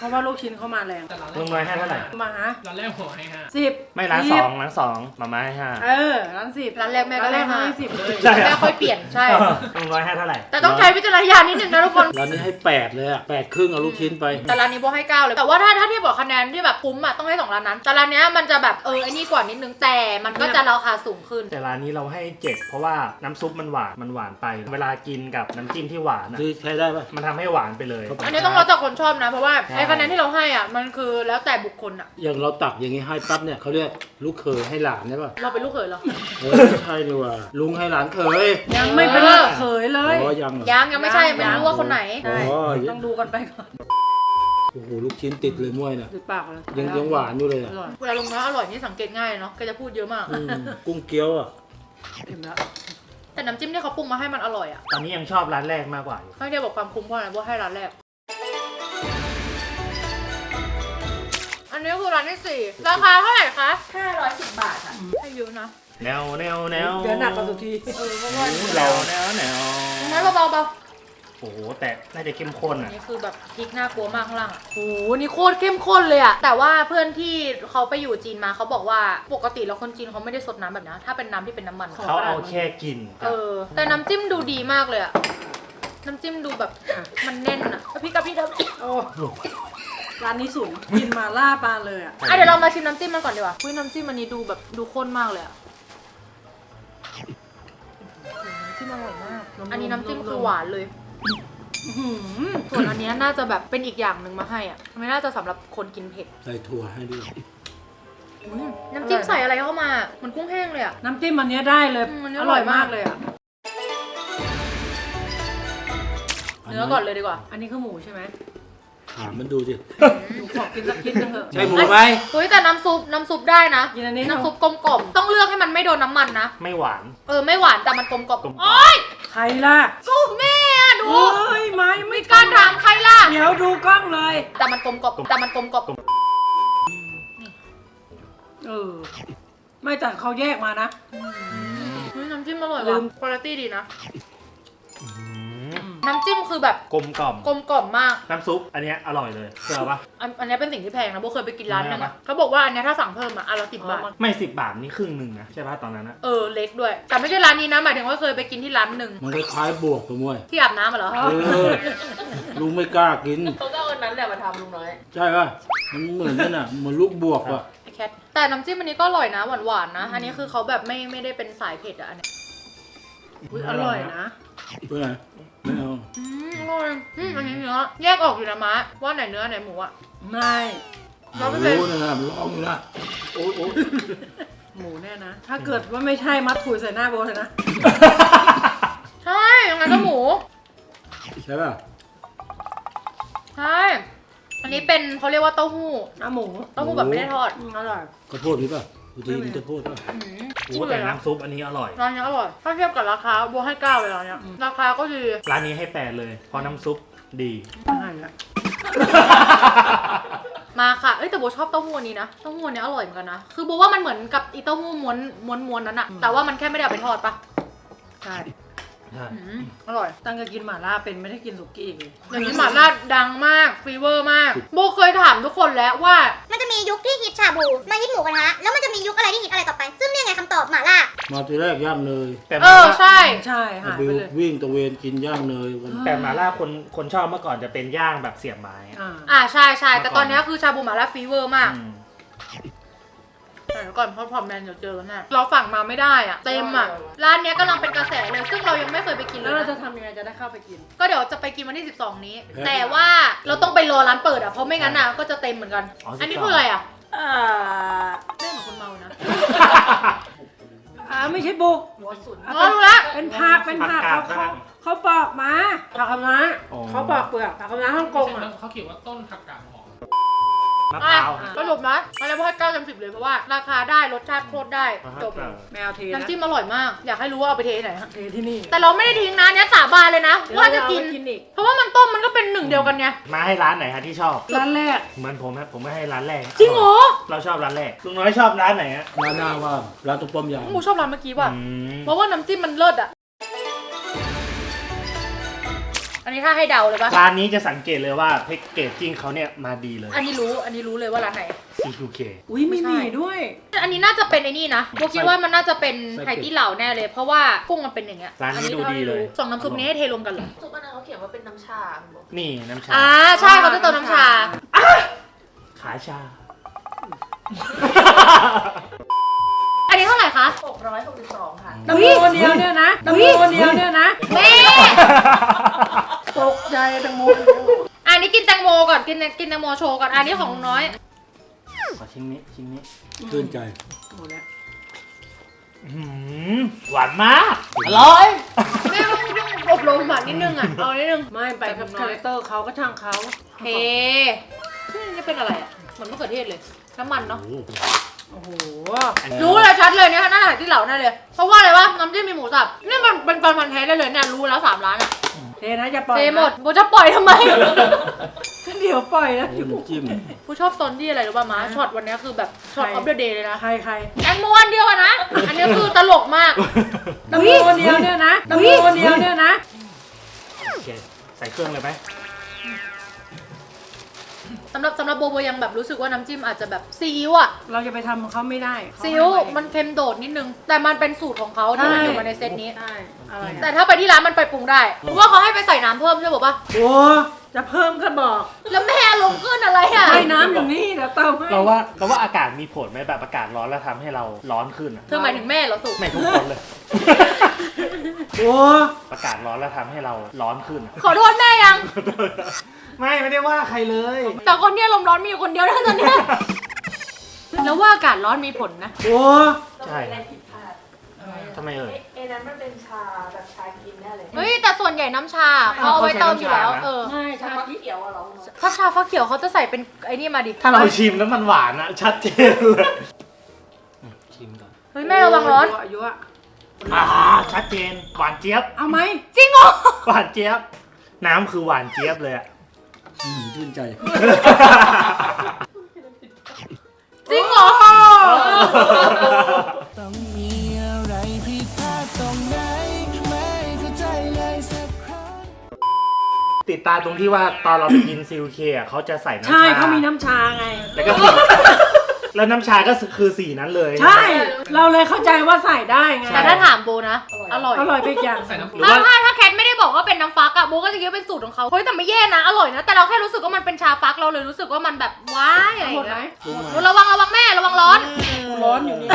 Speaker 3: เพราะว่าลูกชิ้นเขามาแรง
Speaker 5: แต่ร้านแร
Speaker 6: ลุ
Speaker 5: ก
Speaker 6: งน้อยให้เท่าไหร่
Speaker 3: มาฮะ
Speaker 5: ร้านแรกหัวให้ห้า
Speaker 3: สิบ
Speaker 6: ไม่ร้านสองร้านสองมาม่าให้ห้า
Speaker 3: เออร้านสิบ
Speaker 1: ร้านแรกแม่ก็
Speaker 3: ร้านแรก
Speaker 1: ให้
Speaker 3: ให้
Speaker 1: ห้า
Speaker 3: สิบเลย
Speaker 6: ใช่เหร
Speaker 1: แม่ค่อยเปลี่ยนใช่
Speaker 6: ลุงน้อยให้เท่าไหร่
Speaker 1: แต่ต้องใช้วิจารณญาณนิดนึงนะทุกคน
Speaker 4: ร้านนี้ให้แปดเลยอะแปดครึ่งเอาลูกชิ้นไป
Speaker 1: แต่ร้านนี้โบให้เก้าเลย แต่ว่าถ้าถ้าเทียบกับคะแนนที่แบบคุ้มอ่ะต้องให้สองร้านนั้น แต่ร้านเนี้ยมันจะแบบเออไอ้นี่กว่านิดนึงแต่มันก็จะราคาสูงขึ้น
Speaker 6: แต่ร้านนี้เราให้เจ็ดเพราะว่าน้ำซุปมันหวานมันหวานไป เวลากินกับน้ำจิ้มที่หวานอะ
Speaker 4: ซื้อใช้ได้ปะ
Speaker 6: มันทำให้หวานไปเลย
Speaker 1: อันนี้ต้องแล้วแต่คนชอบนะ เพราะว่า
Speaker 6: ใช่
Speaker 1: ไอ้คะแนนที่เราให้อ่ะมันคือแล้วแต่บุคคลอ่ะ
Speaker 4: อย่างเราตักอย่างงี้ให้ปั๊บเนี่ยเขาเรียกลูกเขยให้หลานใช่ปะ
Speaker 1: เราเป็นลูกเขยเหรอ
Speaker 4: เออไม่ใช่ดีกว่าลุงให้หลานเขย
Speaker 3: ยังไม่เป็น
Speaker 1: เออ
Speaker 3: เขยเลย
Speaker 4: อ๋อยังเหรอ
Speaker 1: ยังยังไม่ใช่ไม่รู้ว่าคนไหน
Speaker 3: ใช่
Speaker 4: อ๋อ
Speaker 3: ต้องดูกันไปก่อน
Speaker 4: โอ้โหลูกชิ้นติดเลยม้วยน่ะ
Speaker 3: ดูปากเลย
Speaker 4: ยังยังหวานอยู่เลย
Speaker 3: อ
Speaker 4: อะ
Speaker 3: ร่อย
Speaker 1: เวลาลงน้อยอร่อยนี่สังเกตง่ายเนาะแกจะพูดเยอะมาก
Speaker 4: อืมกุ้งเกี๊ยวอ่ะ
Speaker 3: เต็มแล้ว
Speaker 1: แต่น้ำจิ้มที่เขาปรุงมาให้มันอร่อยอ่ะ
Speaker 6: ตอนนี้ยังชอบร้านแรกมากกว่าอยู่
Speaker 1: ให้เดียวบอกความคุ้มเพราะอะไรเพราะให้ร้านแรก อันนี้คือร้านที่สี่ราคาเท่าไหร่คะห้าร้อยสิบบาทค่ะให้เยอะนะ
Speaker 6: แนวแนวแนว
Speaker 3: เดี๋ยวหนักกว่าสุดที
Speaker 1: เออเพราะว่า
Speaker 6: แนวแนวแนว
Speaker 1: ไม่เบาๆเบา
Speaker 6: โอ้โหแต่น่าจะเข้มข้น
Speaker 1: อั
Speaker 6: อ่ะ
Speaker 1: นนี้คือแบบพริกน่ากลัวมากข้างล่างอ่ะโอ้โหนี่โคตรเข้มข้นเลยอ่ะแต่ว่าเพื่อนที่เขาไปอยู่จีนมาเขาบอกว่าปกติแล้วคนจีนเขาไม่ได้สดน้ำแบบนี้ถ้าเป็นน้ำที่เป็นน้ำมัน
Speaker 6: เขาเอาแค่กิน
Speaker 1: เออแต่น้ำจิ้มดูดีมากเลยอ่ะน้ำจิ้มดูแบบมันแน่นอ่ะแล้วพริกกับพริกกับ
Speaker 3: โอ้ร้านนี้สูงกินมาล่าปลาเลยอ่ะ
Speaker 1: อ่ะเดี๋ยวเรามาชิมน้ำจิ้มมันก่อนดีกว่าอุ้ยน้ำจิ้มอันนี้ดูแบบดูข้นมากเลยอ่ะน้ำจิ้มอร่อยมากอันนี้น้ำจิ้มคือหวานเลย
Speaker 3: อื้อหือ
Speaker 1: ส่วนอันเนี้ยน่าจะแบบเป็นอีกอย่างหนึ่งมาให้อ่ะไม่น่าจะสำหรับคนกินเผ็ด
Speaker 4: ใส่ถั่วให้ด้วย
Speaker 1: อืมน้ำจิ้มใส่อะไรเข้ามาเหมือนกุ้งแห้งเลยอ่ะ
Speaker 3: น้ำจิ้มอันเนี้ยได้เลย
Speaker 1: อืมอันนี้
Speaker 3: อ
Speaker 1: อร่
Speaker 3: ร่อ
Speaker 1: อย ย
Speaker 3: มาม
Speaker 1: าก ก
Speaker 3: เลยอ่ะ
Speaker 1: เนื้อก่อนเลยดีกว่า
Speaker 3: อันนี้คือหมูใช่ไหม
Speaker 4: ถามมันดูสิ
Speaker 3: หนูขอกินสักชิ้นนึงเถอะ
Speaker 4: ใช่หมูไหม
Speaker 1: เฮ้ยแต่น้ำซุปน้ำซุปได้นะ
Speaker 3: กินอันนี้
Speaker 1: น้ำซุปกลมกล่อมต้องเลือกให้มันไม่โดนน้ำมันนะ
Speaker 6: ไม่หวาน
Speaker 1: เออไม่หวานแต่มันกลมกล่อม
Speaker 6: กลมกล่อม
Speaker 1: โอ๊ย
Speaker 3: ใครล่ะ
Speaker 1: กูแม่อะดู
Speaker 3: โอ้ยไม่ไม่
Speaker 1: มีการถามใครล่ะ
Speaker 3: เดี๋ยวดูกล้องเลย
Speaker 1: แต่มันกลมกล่อมแต่มันกลมกล่อม
Speaker 3: เออ ไม่แต่เขาแยกมานะ
Speaker 1: เฮ้ยน้ำจิ้มอร่อย
Speaker 3: ลื
Speaker 1: ว่ะ
Speaker 3: ม
Speaker 1: คุณภาพดีนะ
Speaker 6: อืม
Speaker 1: น้ำจิ้มคือแบบ
Speaker 6: กลมกล่อม
Speaker 1: กลมกล่อมมาก
Speaker 6: น้ำซุปอันเนี้ยอร่อยเลยเชื่อปะ
Speaker 1: อันอันนี้เป็นสิ่งที่แพงนะโบเคยไปกินร้านนึง
Speaker 6: แพง
Speaker 1: อะ
Speaker 6: ปะ
Speaker 1: เขาบอกว่าอันเนี้ยถ้าสั่งเพิ่มอะอันละสิบบาท
Speaker 6: ไม่สิบบาทนี่ครึ่งหนึ่งนะใช่ปะตอนนั้นอะ
Speaker 1: เออเล็กด้วย แต่ไม่ใช่ร้านนี้นะหมายถึงว่าเคยไปกินที่ร้านหนึ่ง
Speaker 4: มันคล้ายๆบวกตัวม้วย
Speaker 1: ที่อาบน้ำอะเหรอ
Speaker 3: อ๋อ
Speaker 4: เออลุงไม่กล้ากิน
Speaker 1: เขาก็เอาอันนั้นแหละมาทำลุงน้อย
Speaker 4: ใช่ป่ะมันเหมือนกันอ่ะเหมือนลูกบวกอ่ะ
Speaker 1: ไอแคทแต่น้ำจิ้มอันนี้ก็อร่อยนะหวานๆนะ อันนี้คือเขาแบบไม่ไม่ได้เป็นสายเผ็ดอะอันเนี้ย
Speaker 3: อุ๊ยอร่อยนะ
Speaker 4: เพื่อนไหนไม่เอา
Speaker 1: อืมอร่อยอืมอันนี้เนื้อแยกออกอยู่นะมะว่าไหนเนื้อไหนหมูอะ
Speaker 3: ไม่
Speaker 1: ร้อยเปอร์เซ็นต์
Speaker 4: รู้นะมันร้องอยู่นะโอ้โอ้
Speaker 3: หมูเนี่ยนะ ถ้าเกิดว่าไม่ใช่มัดถุยใส่หน้าโบเลยนะ
Speaker 1: ใช่ยังไงก็หมู
Speaker 4: ใช่ป่ะ
Speaker 1: ใช่อันนี้เป็นเขาเรียกว่าเต้าหู้
Speaker 3: น้ำหมู
Speaker 1: เต้าหู้แบบไม่ได้ทอด
Speaker 3: อืมอร่อย
Speaker 4: ข้าวโพดนี่ป่ะดูทีมันข้าวโพดป่ะ
Speaker 1: อืม
Speaker 6: โอ้แต่น้ำซุปอันนี้อร่อย
Speaker 1: ร้านนี้อร่อยถ้าเทียบกับราคาบัวให้เก้าเลยร้านเนี้ยราคาก็ดี
Speaker 6: ร้านนี้ให้แปดเลย เพราะน้ำซุปดี
Speaker 3: อาหารละ
Speaker 1: มาค่ะเอ้ยแต่โบชอบเต้าหู้อันนี้นะเต้าหู้อันนี้อร่อยเหมือนกันนะคือโบว่ามันเหมือนกับอีเต้าหู้ม้วนม้วนม้วนนั้นอะแต่ว่ามันแค่ไม่ได้เอาไปทอดปะ
Speaker 3: ใช่
Speaker 6: ใช่
Speaker 1: อืมอร่อย
Speaker 3: ตั้งแต่กินหม่าล่าเป็นไม่ได้กินสุกี้อีกเลย
Speaker 1: อย่างนี้หม่าล่าดังมากฟีเวอร์มาก โบเคยถามทุกคนแล้วว่า
Speaker 2: มันจะมียุคที่ฮิตชาบู มาฮิตหมูกระทะ แล้วมันจะมียุคอะไรที่ฮิตอะไรต่อไป ซึ่งเนี่ยไงคำตอบหม่าล่า
Speaker 4: มาทีแรกย่างเนย
Speaker 6: แต่
Speaker 1: เอ
Speaker 6: มา
Speaker 1: อ
Speaker 6: ล่า
Speaker 1: ใช่
Speaker 3: ใช่หาย
Speaker 4: บิ
Speaker 3: ไป
Speaker 4: ว
Speaker 3: เลย
Speaker 4: วิ่งตะเวนกินย่างเนยวัน
Speaker 6: แต่หมาล่าคนคนชอบเมื่อก่อนจะเป็นย่างแบบเสียบไม้อะ
Speaker 3: อ่า
Speaker 1: อ่าใช่ใช่แต่ตอนนี้คือชาบูหม่าล่าฟีเวอร์มาก
Speaker 6: อืม
Speaker 1: แต่เดี๋ยวก่อนเพราะพอมแมนเดี๋ยวเจอกันแน่เราสั่งมาไม่ได้อ่ะเต็มอ่ะร้านเนี้ยกำลังเป็นกระแสเลย ซึ่งเรายังไม่เคยไปกินเล
Speaker 3: แล้
Speaker 1: ยว
Speaker 3: เราจะ
Speaker 1: นะ
Speaker 3: ทำยังไงจะได้เข้าไปกิน
Speaker 1: ก็เดี๋ยวจะไปกินวันที่สิบสองนี้ แต่ว่าเราต้องไปรอร้านเปิดอ่ะเพราะไม่งั้นอ่ะก็จะเต็มเหมือนกัน อันนี้คืออะไรอ่ะ
Speaker 3: อ่า
Speaker 1: ไม่เหมือนคนเมานะ
Speaker 3: อ่าไม่ใช่บุก
Speaker 1: อ๋อรู้ละ
Speaker 3: เป็นผักเป็นผัก
Speaker 6: ผั
Speaker 3: เขา
Speaker 6: กกาด
Speaker 3: เขาเขาปอกมาผักคะน้า
Speaker 6: อ๋อ
Speaker 3: เขาปอกเปลือกผักคะน้าฮ่องกงอ่ะ
Speaker 5: เขาเขียนว่าต้นผักกาดหอม
Speaker 6: มะพ
Speaker 1: อ่ะ
Speaker 6: ร้าว
Speaker 1: สรุปนะมาแล้วพอให้เก้าเต็มสิบเลยเพราะว่าราคาได้รสชาติโคตรได้จบ
Speaker 3: แมวเทนะ
Speaker 1: น้ำจิ้มอร่อยมาก อยากให้รู้ว่าเอาไปเทที่ไหนฮะ
Speaker 3: เทที่นี่
Speaker 1: แต่เราไม่ได้ทิ้งนะเนี้ยสาบานเลยนะ
Speaker 3: เดี๋ยว
Speaker 1: ว่า
Speaker 3: เรา
Speaker 1: จะ
Speaker 3: จะ
Speaker 1: กิ
Speaker 3: กิ
Speaker 1: น
Speaker 3: นกินอีก
Speaker 1: เพราะว่ามันต้มมันก็เป็นหนึ่งเดียวกันไง
Speaker 6: มาให้ร้านไหนฮะที่ชอบ
Speaker 3: ร้านแรก
Speaker 6: เหมือนผมนะผมก็ให้ร้านแรก
Speaker 1: จริงเหรอ
Speaker 6: เราชอบร้านแรกลุงน้อยชอบร้านไหนฮะ
Speaker 4: ร้านหน้าว่าร้านตุ๊กป้อมยาง
Speaker 1: หมูชอบร้านเมื่อกี้ว่ะ
Speaker 6: อืม
Speaker 1: เพราะว่าน้ำจิ้มมันเลิศอะอันนี้ถ้าให้เดาเลยปะ
Speaker 6: ร้านนี้จะสังเกตเลยว่าแพ็กเกจจิ้งเขาเนี่ยมาดีเลย
Speaker 1: อันนี้รู้อันนี้รู้เลยว่าร้านไหน
Speaker 6: ซี คิว เค
Speaker 3: อุ้ยไม่มีด้วย
Speaker 1: อันนี้น่าจะเป็นไอ้นี่นะโบคิดว่ามันน่าจะเป็นไหตี้เหล่าแน่เลย เพราะว่ากุ้งมันเป็นอย่างเงี้ย
Speaker 6: ร้านนี้ดูดีเลย
Speaker 1: สองน้ำซุปนี้ให้เทรวมกันเหรอ
Speaker 8: ซุปอันนั้นเขาเขียนว่าเป็นน้ำชาบอก
Speaker 6: นี่น้ำชา
Speaker 1: อ่าใช่เขาจะเติมน้ำชา
Speaker 6: ขาชา
Speaker 1: อันนี้เท่าไหร่คะ
Speaker 8: หกร้อยหกสิบสองค่ะ
Speaker 3: ตะโมเดียวเนี่ยนะตะโมเดียวเนี่ยนะ
Speaker 1: แม่
Speaker 3: ตกใจตะโม
Speaker 1: อันนี้กินแตงโมก่อนกินกินแตงโมโชว์ก่อนอันนี้ของลุงน้อย
Speaker 6: ขอชิ้นนี้ชิ้นนี้
Speaker 4: ตื่นใจ
Speaker 3: หมดแล้ว
Speaker 6: อื้อหือหวานมาก อร่อย
Speaker 1: แม่ต้องต้องอบรมหวานนิดนึงอ่ะเอานิดนึง
Speaker 3: ไม่ไปกับคาแรคเตอร์เขาก็ช่างเขา
Speaker 1: เทนี่เป็นอะไรอ่ะเหมือนมะเขือเทศเลยน้ำมันเนาะ
Speaker 3: โอ้โห
Speaker 1: รู้เลยชัดเลยเนี่ยน่าจะที่เหล่าแน่เลยเพราะว่าอะไรวะน้ำจิ้มมีหมูสับนี่มันเป็นการพันแท้ได้เลยเนี่ยรู้แล้วสามร้านอ่ะ
Speaker 3: เทนะจะปล่อย
Speaker 1: เท
Speaker 3: นะ
Speaker 1: หมดโบจะปล่อยทำไม
Speaker 3: เดี๋ยวปล่อยนะ
Speaker 4: โอ้น้ำจิ้ม
Speaker 1: ผู้ชอบตอนที่อะไรรู้ป่ะม้าช็อตวันนี้คือแบบช็อตออฟเดอะเดย์เลยนะ
Speaker 3: ใครใคร
Speaker 1: แตงโมอันเดียวอะนะ อันนี้คือตลกมาก
Speaker 3: ตะโมเดียวเนี่ยนะตะโมเดียวเนี่ยนะ
Speaker 6: โอเค ใส่เครื่องเลยไหม
Speaker 1: สำหรับสำหรับโบโบยังแบบรู้สึกว่าน้ำจิ้มอาจจะแบบซีอิ๊วอะ
Speaker 3: เราจะไปทำเขาไม่ได้เขา
Speaker 1: ซีอิ๊ว
Speaker 3: ให้ไ
Speaker 1: มันเค็มโดดนิดนึง แต่มันเป็นสูตรของเขาที่มันอยู่มาในเซตนี้
Speaker 3: ใช่อะไร
Speaker 1: แต่
Speaker 3: อะ
Speaker 1: ถ้าไปที่ร้านมันไปปรุงได้เพราะว่าเขาให้ไปใส่น้ำเพิ่มใช่ป่ะ
Speaker 3: โอ้จะเพิ่มก็บอก
Speaker 1: แล้วแม่ลงขึ้นอะไรอะ
Speaker 3: ให้น้ำอย่างนี้เดี๋ยวเติมให้
Speaker 6: เราว่าเราว่าอากาศมีผลไหมแบบอากาศร้อนแล้วทำให้เราร้อนขึ้นอะ
Speaker 1: เธอหมายถึงแม่เหรอสุ
Speaker 6: ไม่ทุกคนเลย
Speaker 3: โอ้
Speaker 6: อากาศร้อนแล้วทำให้เราร้อนขึ้นอะ
Speaker 1: ขอโทษแม่ยัง
Speaker 6: ไม่ไม่ได้ว่าใครเลย
Speaker 1: แต่คนเนี้ยลมณ์ร้อนมีอยู่คนเดียวนะตอนเนี้ยแล้วว่าอากาศร้อนมีผลนะ
Speaker 3: โอ้
Speaker 6: ใช่
Speaker 8: อะไรผิดพลาด
Speaker 6: ทำไมเอ่ย
Speaker 8: เอ้นั้นมันเป็นชาแบบชากินแน่เลย
Speaker 1: เฮ้ยแต่ส่วนใหญ่น้ำชาเขาเอาไว้เติมอยู่แล้ว
Speaker 6: เขาใช้น้ำชานะ
Speaker 1: เออ
Speaker 3: ไม่
Speaker 8: ชา
Speaker 3: ชา
Speaker 8: ที่เขียวอะเหรอ
Speaker 1: ถ้าชาฟักเขียวเขาจะใส่เป็นไอ้นี่มาดิ
Speaker 6: ถ้าเราชิมแล้วมันหวานอะชัดเจนเลยชิมก่อน
Speaker 1: เฮ้ยแม่ระวังร้อน
Speaker 3: อายุอะ
Speaker 6: อ่าชัดเจนหวานเจี๊ยบ
Speaker 3: เอาไหม
Speaker 1: จริงเหรอ
Speaker 6: หวานเจี๊ยบ น้ำคือหวานเจี๊ยบเลยอะ
Speaker 4: อืมชื่นใจ
Speaker 1: จริงเหรอ
Speaker 9: ต้องมีอะไรผิดพลาดตรงไหนไม่เข้าใจเลยสักครั้ง
Speaker 6: ติดตาตรงที่ว่าตอนเราไปกินซิลเคอะเขาจะใส่น้ำชา
Speaker 3: ใช่เขามีน้ำชาไง
Speaker 6: แล้วก็สีแล้วน้ำชาก็คือสีนั้นเลย
Speaker 3: ใช่ เราเลยเข้าใจว่าใส่ได้ไง
Speaker 1: แต่ถ้าถามโบนะ อร่อย
Speaker 3: อร่อยไปอีกอย่าง
Speaker 5: ใส่น้ำป
Speaker 6: หรือ
Speaker 1: ถ้า
Speaker 6: ว่า
Speaker 1: ถ้าถ้าแคทไม่ได้บอกว่าเป็นน้ำฟักอะโบก็จะคิดว่าเป็นสูตรของเขาเฮ้ยแต่ไม่แย่นะ อร่อยนะ แต่เราแค่รู้สึกว่ามันเป็นชาฟักเราเลยรู้สึกว่ามันแบบว้ายอะไรอ
Speaker 3: หม
Speaker 1: ย่า
Speaker 3: ด
Speaker 1: ง
Speaker 3: ไหม
Speaker 1: เงี้ยระวังระวังแม่ระวังร้อน
Speaker 3: กูร้อนอยู่นี่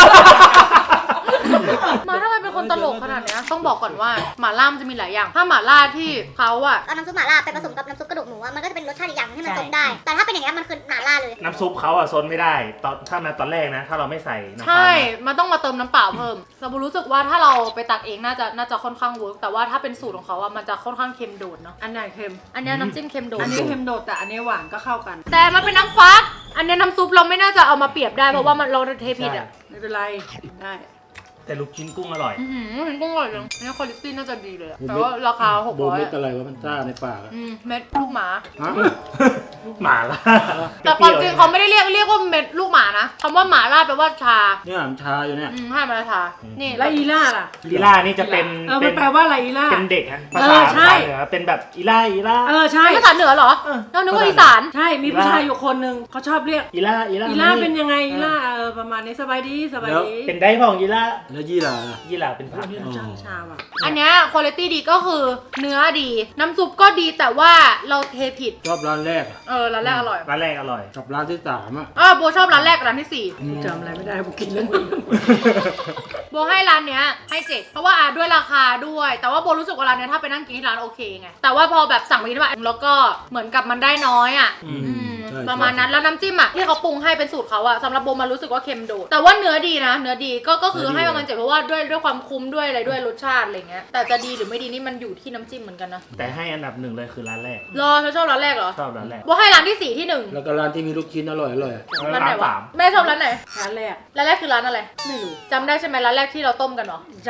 Speaker 1: มาทำไมเป็นคนตลกขนาดเนี้ยต้องบอกก่อนว่าหม่าล่ามันจะมีหลายอย่าง ถ้าหม่าล่าที่เขาอะ
Speaker 2: เอาน้ำซุปหม่าล่าไปผสมกับน้ำซุปกระดูกหมูอะมันก็จะเป็นรสชาติอีกอย่างให้มันซดได้ แต่ถ้าเป็นอย่างเงี้ยมันคือหม่าล่าเลย
Speaker 6: น้ำซุปเขาอะซนไม่ได้ ตอนถ้ามาตอนแรกนะ ถ้าเราไม่ใส่น้ำ
Speaker 1: ใช่
Speaker 6: ตาลนะ
Speaker 1: มันต้องมาเติมน้ำเปล่าเพิ่มแต่โบรู้สึกว่าถ้าเราไปตักเองน่าจะน่าจะค่อนข้างเวิร์กแต่ว่าถ้าเป็นสูตรของเขาอะมันจะค่อนข้างเค็มโดดเนาะ
Speaker 3: อันไหนเค็ม
Speaker 1: อันเนี้ยน้ำจิ้มเค็มโดด
Speaker 3: อันนี้เค็มโดดแต่อันนี้หวานก็เข้ากัน
Speaker 1: แต่มันเป็นน้ำฟัก อันเนี้ยน้ำซุปเราไม่น่าจะเอามาเปรียบได้เพราะว่ามันเราเทผิดอ่ะ
Speaker 3: ไม่เป็นไร ได้
Speaker 6: แต่ลูกชิ้นกุ้งอร่อย
Speaker 1: อือหือเห็นกุ้งอร่อยจังอันนี้คุณภาพน่าจะดีเลยอะแต่ว่าราคาหก
Speaker 4: โบ
Speaker 1: ร้อย
Speaker 4: เม็ดอะไรวะมันซ่าในปากอะ
Speaker 1: อืมเม็ดลูกหมา
Speaker 4: ฮะ
Speaker 6: หมาล่า
Speaker 1: แต่ความจริงเขาไม่ได้เรียกเรียกว่าเม็ดลูกหมานะคำว่าหมาล่าแปลว่าชา
Speaker 4: เนี่ยมันชาอยู่เนี่ย
Speaker 1: อืมให้มาชา นี่
Speaker 3: แล้วอีล่าล่ะ
Speaker 6: ลีล่านี่จะเป็น
Speaker 3: เออ
Speaker 6: เป็
Speaker 3: มัน นแปลว่าอะไรอีล่า
Speaker 6: เป็นเด็กฮะภา
Speaker 3: เอ
Speaker 6: ษา
Speaker 3: อใช่
Speaker 6: ภาษาเหนือเป็นแบบอีล่าอีล่า
Speaker 3: เออใช่
Speaker 1: เป็นภาษาเหนือเหรอเรานึกว่าอีสาน
Speaker 3: ใช่ มีผู้ชายอยู่คนหนึ่งเขาชอบเรียก
Speaker 6: อีล่าอีล่า
Speaker 3: อีล่าเป็นยังไงอีล่าเออประมาณนี้สบายดีสบายดี
Speaker 6: เป็นได้พ่องอีล่า
Speaker 4: แล้วยี่หร่าล่ะ
Speaker 6: ยี่หล่าเป็นผัก
Speaker 3: นี่
Speaker 6: นะ
Speaker 3: ชาชาว่ะ
Speaker 1: อันเนี้ยคุณภาพดีก็คือเนื้อดี น้ำซุปก็ดีแต่ว่าเราเทผิด
Speaker 4: ชอบร้านแรกอะ
Speaker 1: เออร้านแรกอร่อย
Speaker 6: ร้านแรกอร่อย
Speaker 4: กับร้านที่สามอะ
Speaker 1: เออโบชอบร้านแรกกับร้านที่สี่
Speaker 3: จำอะไรไม่ได้กูกินแล้วมึง
Speaker 1: โบให้ร้านเนี้ยให้เจ็ดเพราะว่าอ่ะด้วยราคาด้วย แต่ว่าโบรู้สึกว่าร้านเนี้ยถ้าไปนั่งกินที่ร้านโอเคไงแต่ว่าพอแบบสั่งไปที่บ้านแล้วก็เหมือนกับมันได้น้อยอ่ะ
Speaker 4: อืม
Speaker 1: อืม
Speaker 4: ใช่
Speaker 1: ประมาณนั้นแล้วน้ำจิ้มอ่ะที่เขาปรุงให้เป็นสูตรเขาอ่ะสำหรับโบมันรู้สึกว่าเค็มโดดแต่ว่าเนื้อดีนะ เนื้อดีก็ก็คือให้ประมาณเจ็ดเพราะว่าด้วยด้วยความคุ้มด้วยอะไรด้วยรสชาติอะไรเงี้ยแต่จะดีหรือไม่ดีนี่มันอยู่ที่น้ำจิ้มเหมือนกันนะ
Speaker 6: แต่ให้อันดับหนึ่งเลยคือร้านแรก
Speaker 1: รอเธอชอบร้านแรกเหรอ
Speaker 6: ชอบร้านแรก
Speaker 1: โบให้ร้านที่สี่ที่หนึ่ง
Speaker 4: แล้วก็ร้านที่มีลูกชิ้นอร่อยอร่อยอะ
Speaker 1: ร้านไหน
Speaker 6: สาว
Speaker 1: ะ
Speaker 6: ม
Speaker 1: แม่ชอบร้านไหน
Speaker 3: ร้านแรก
Speaker 1: ร้านแรกคือร้านอะไร
Speaker 3: ไม่รู้
Speaker 1: จำได้ใช่ไหมร้านแรกที่เราต้มกันเหรอ
Speaker 3: ใช่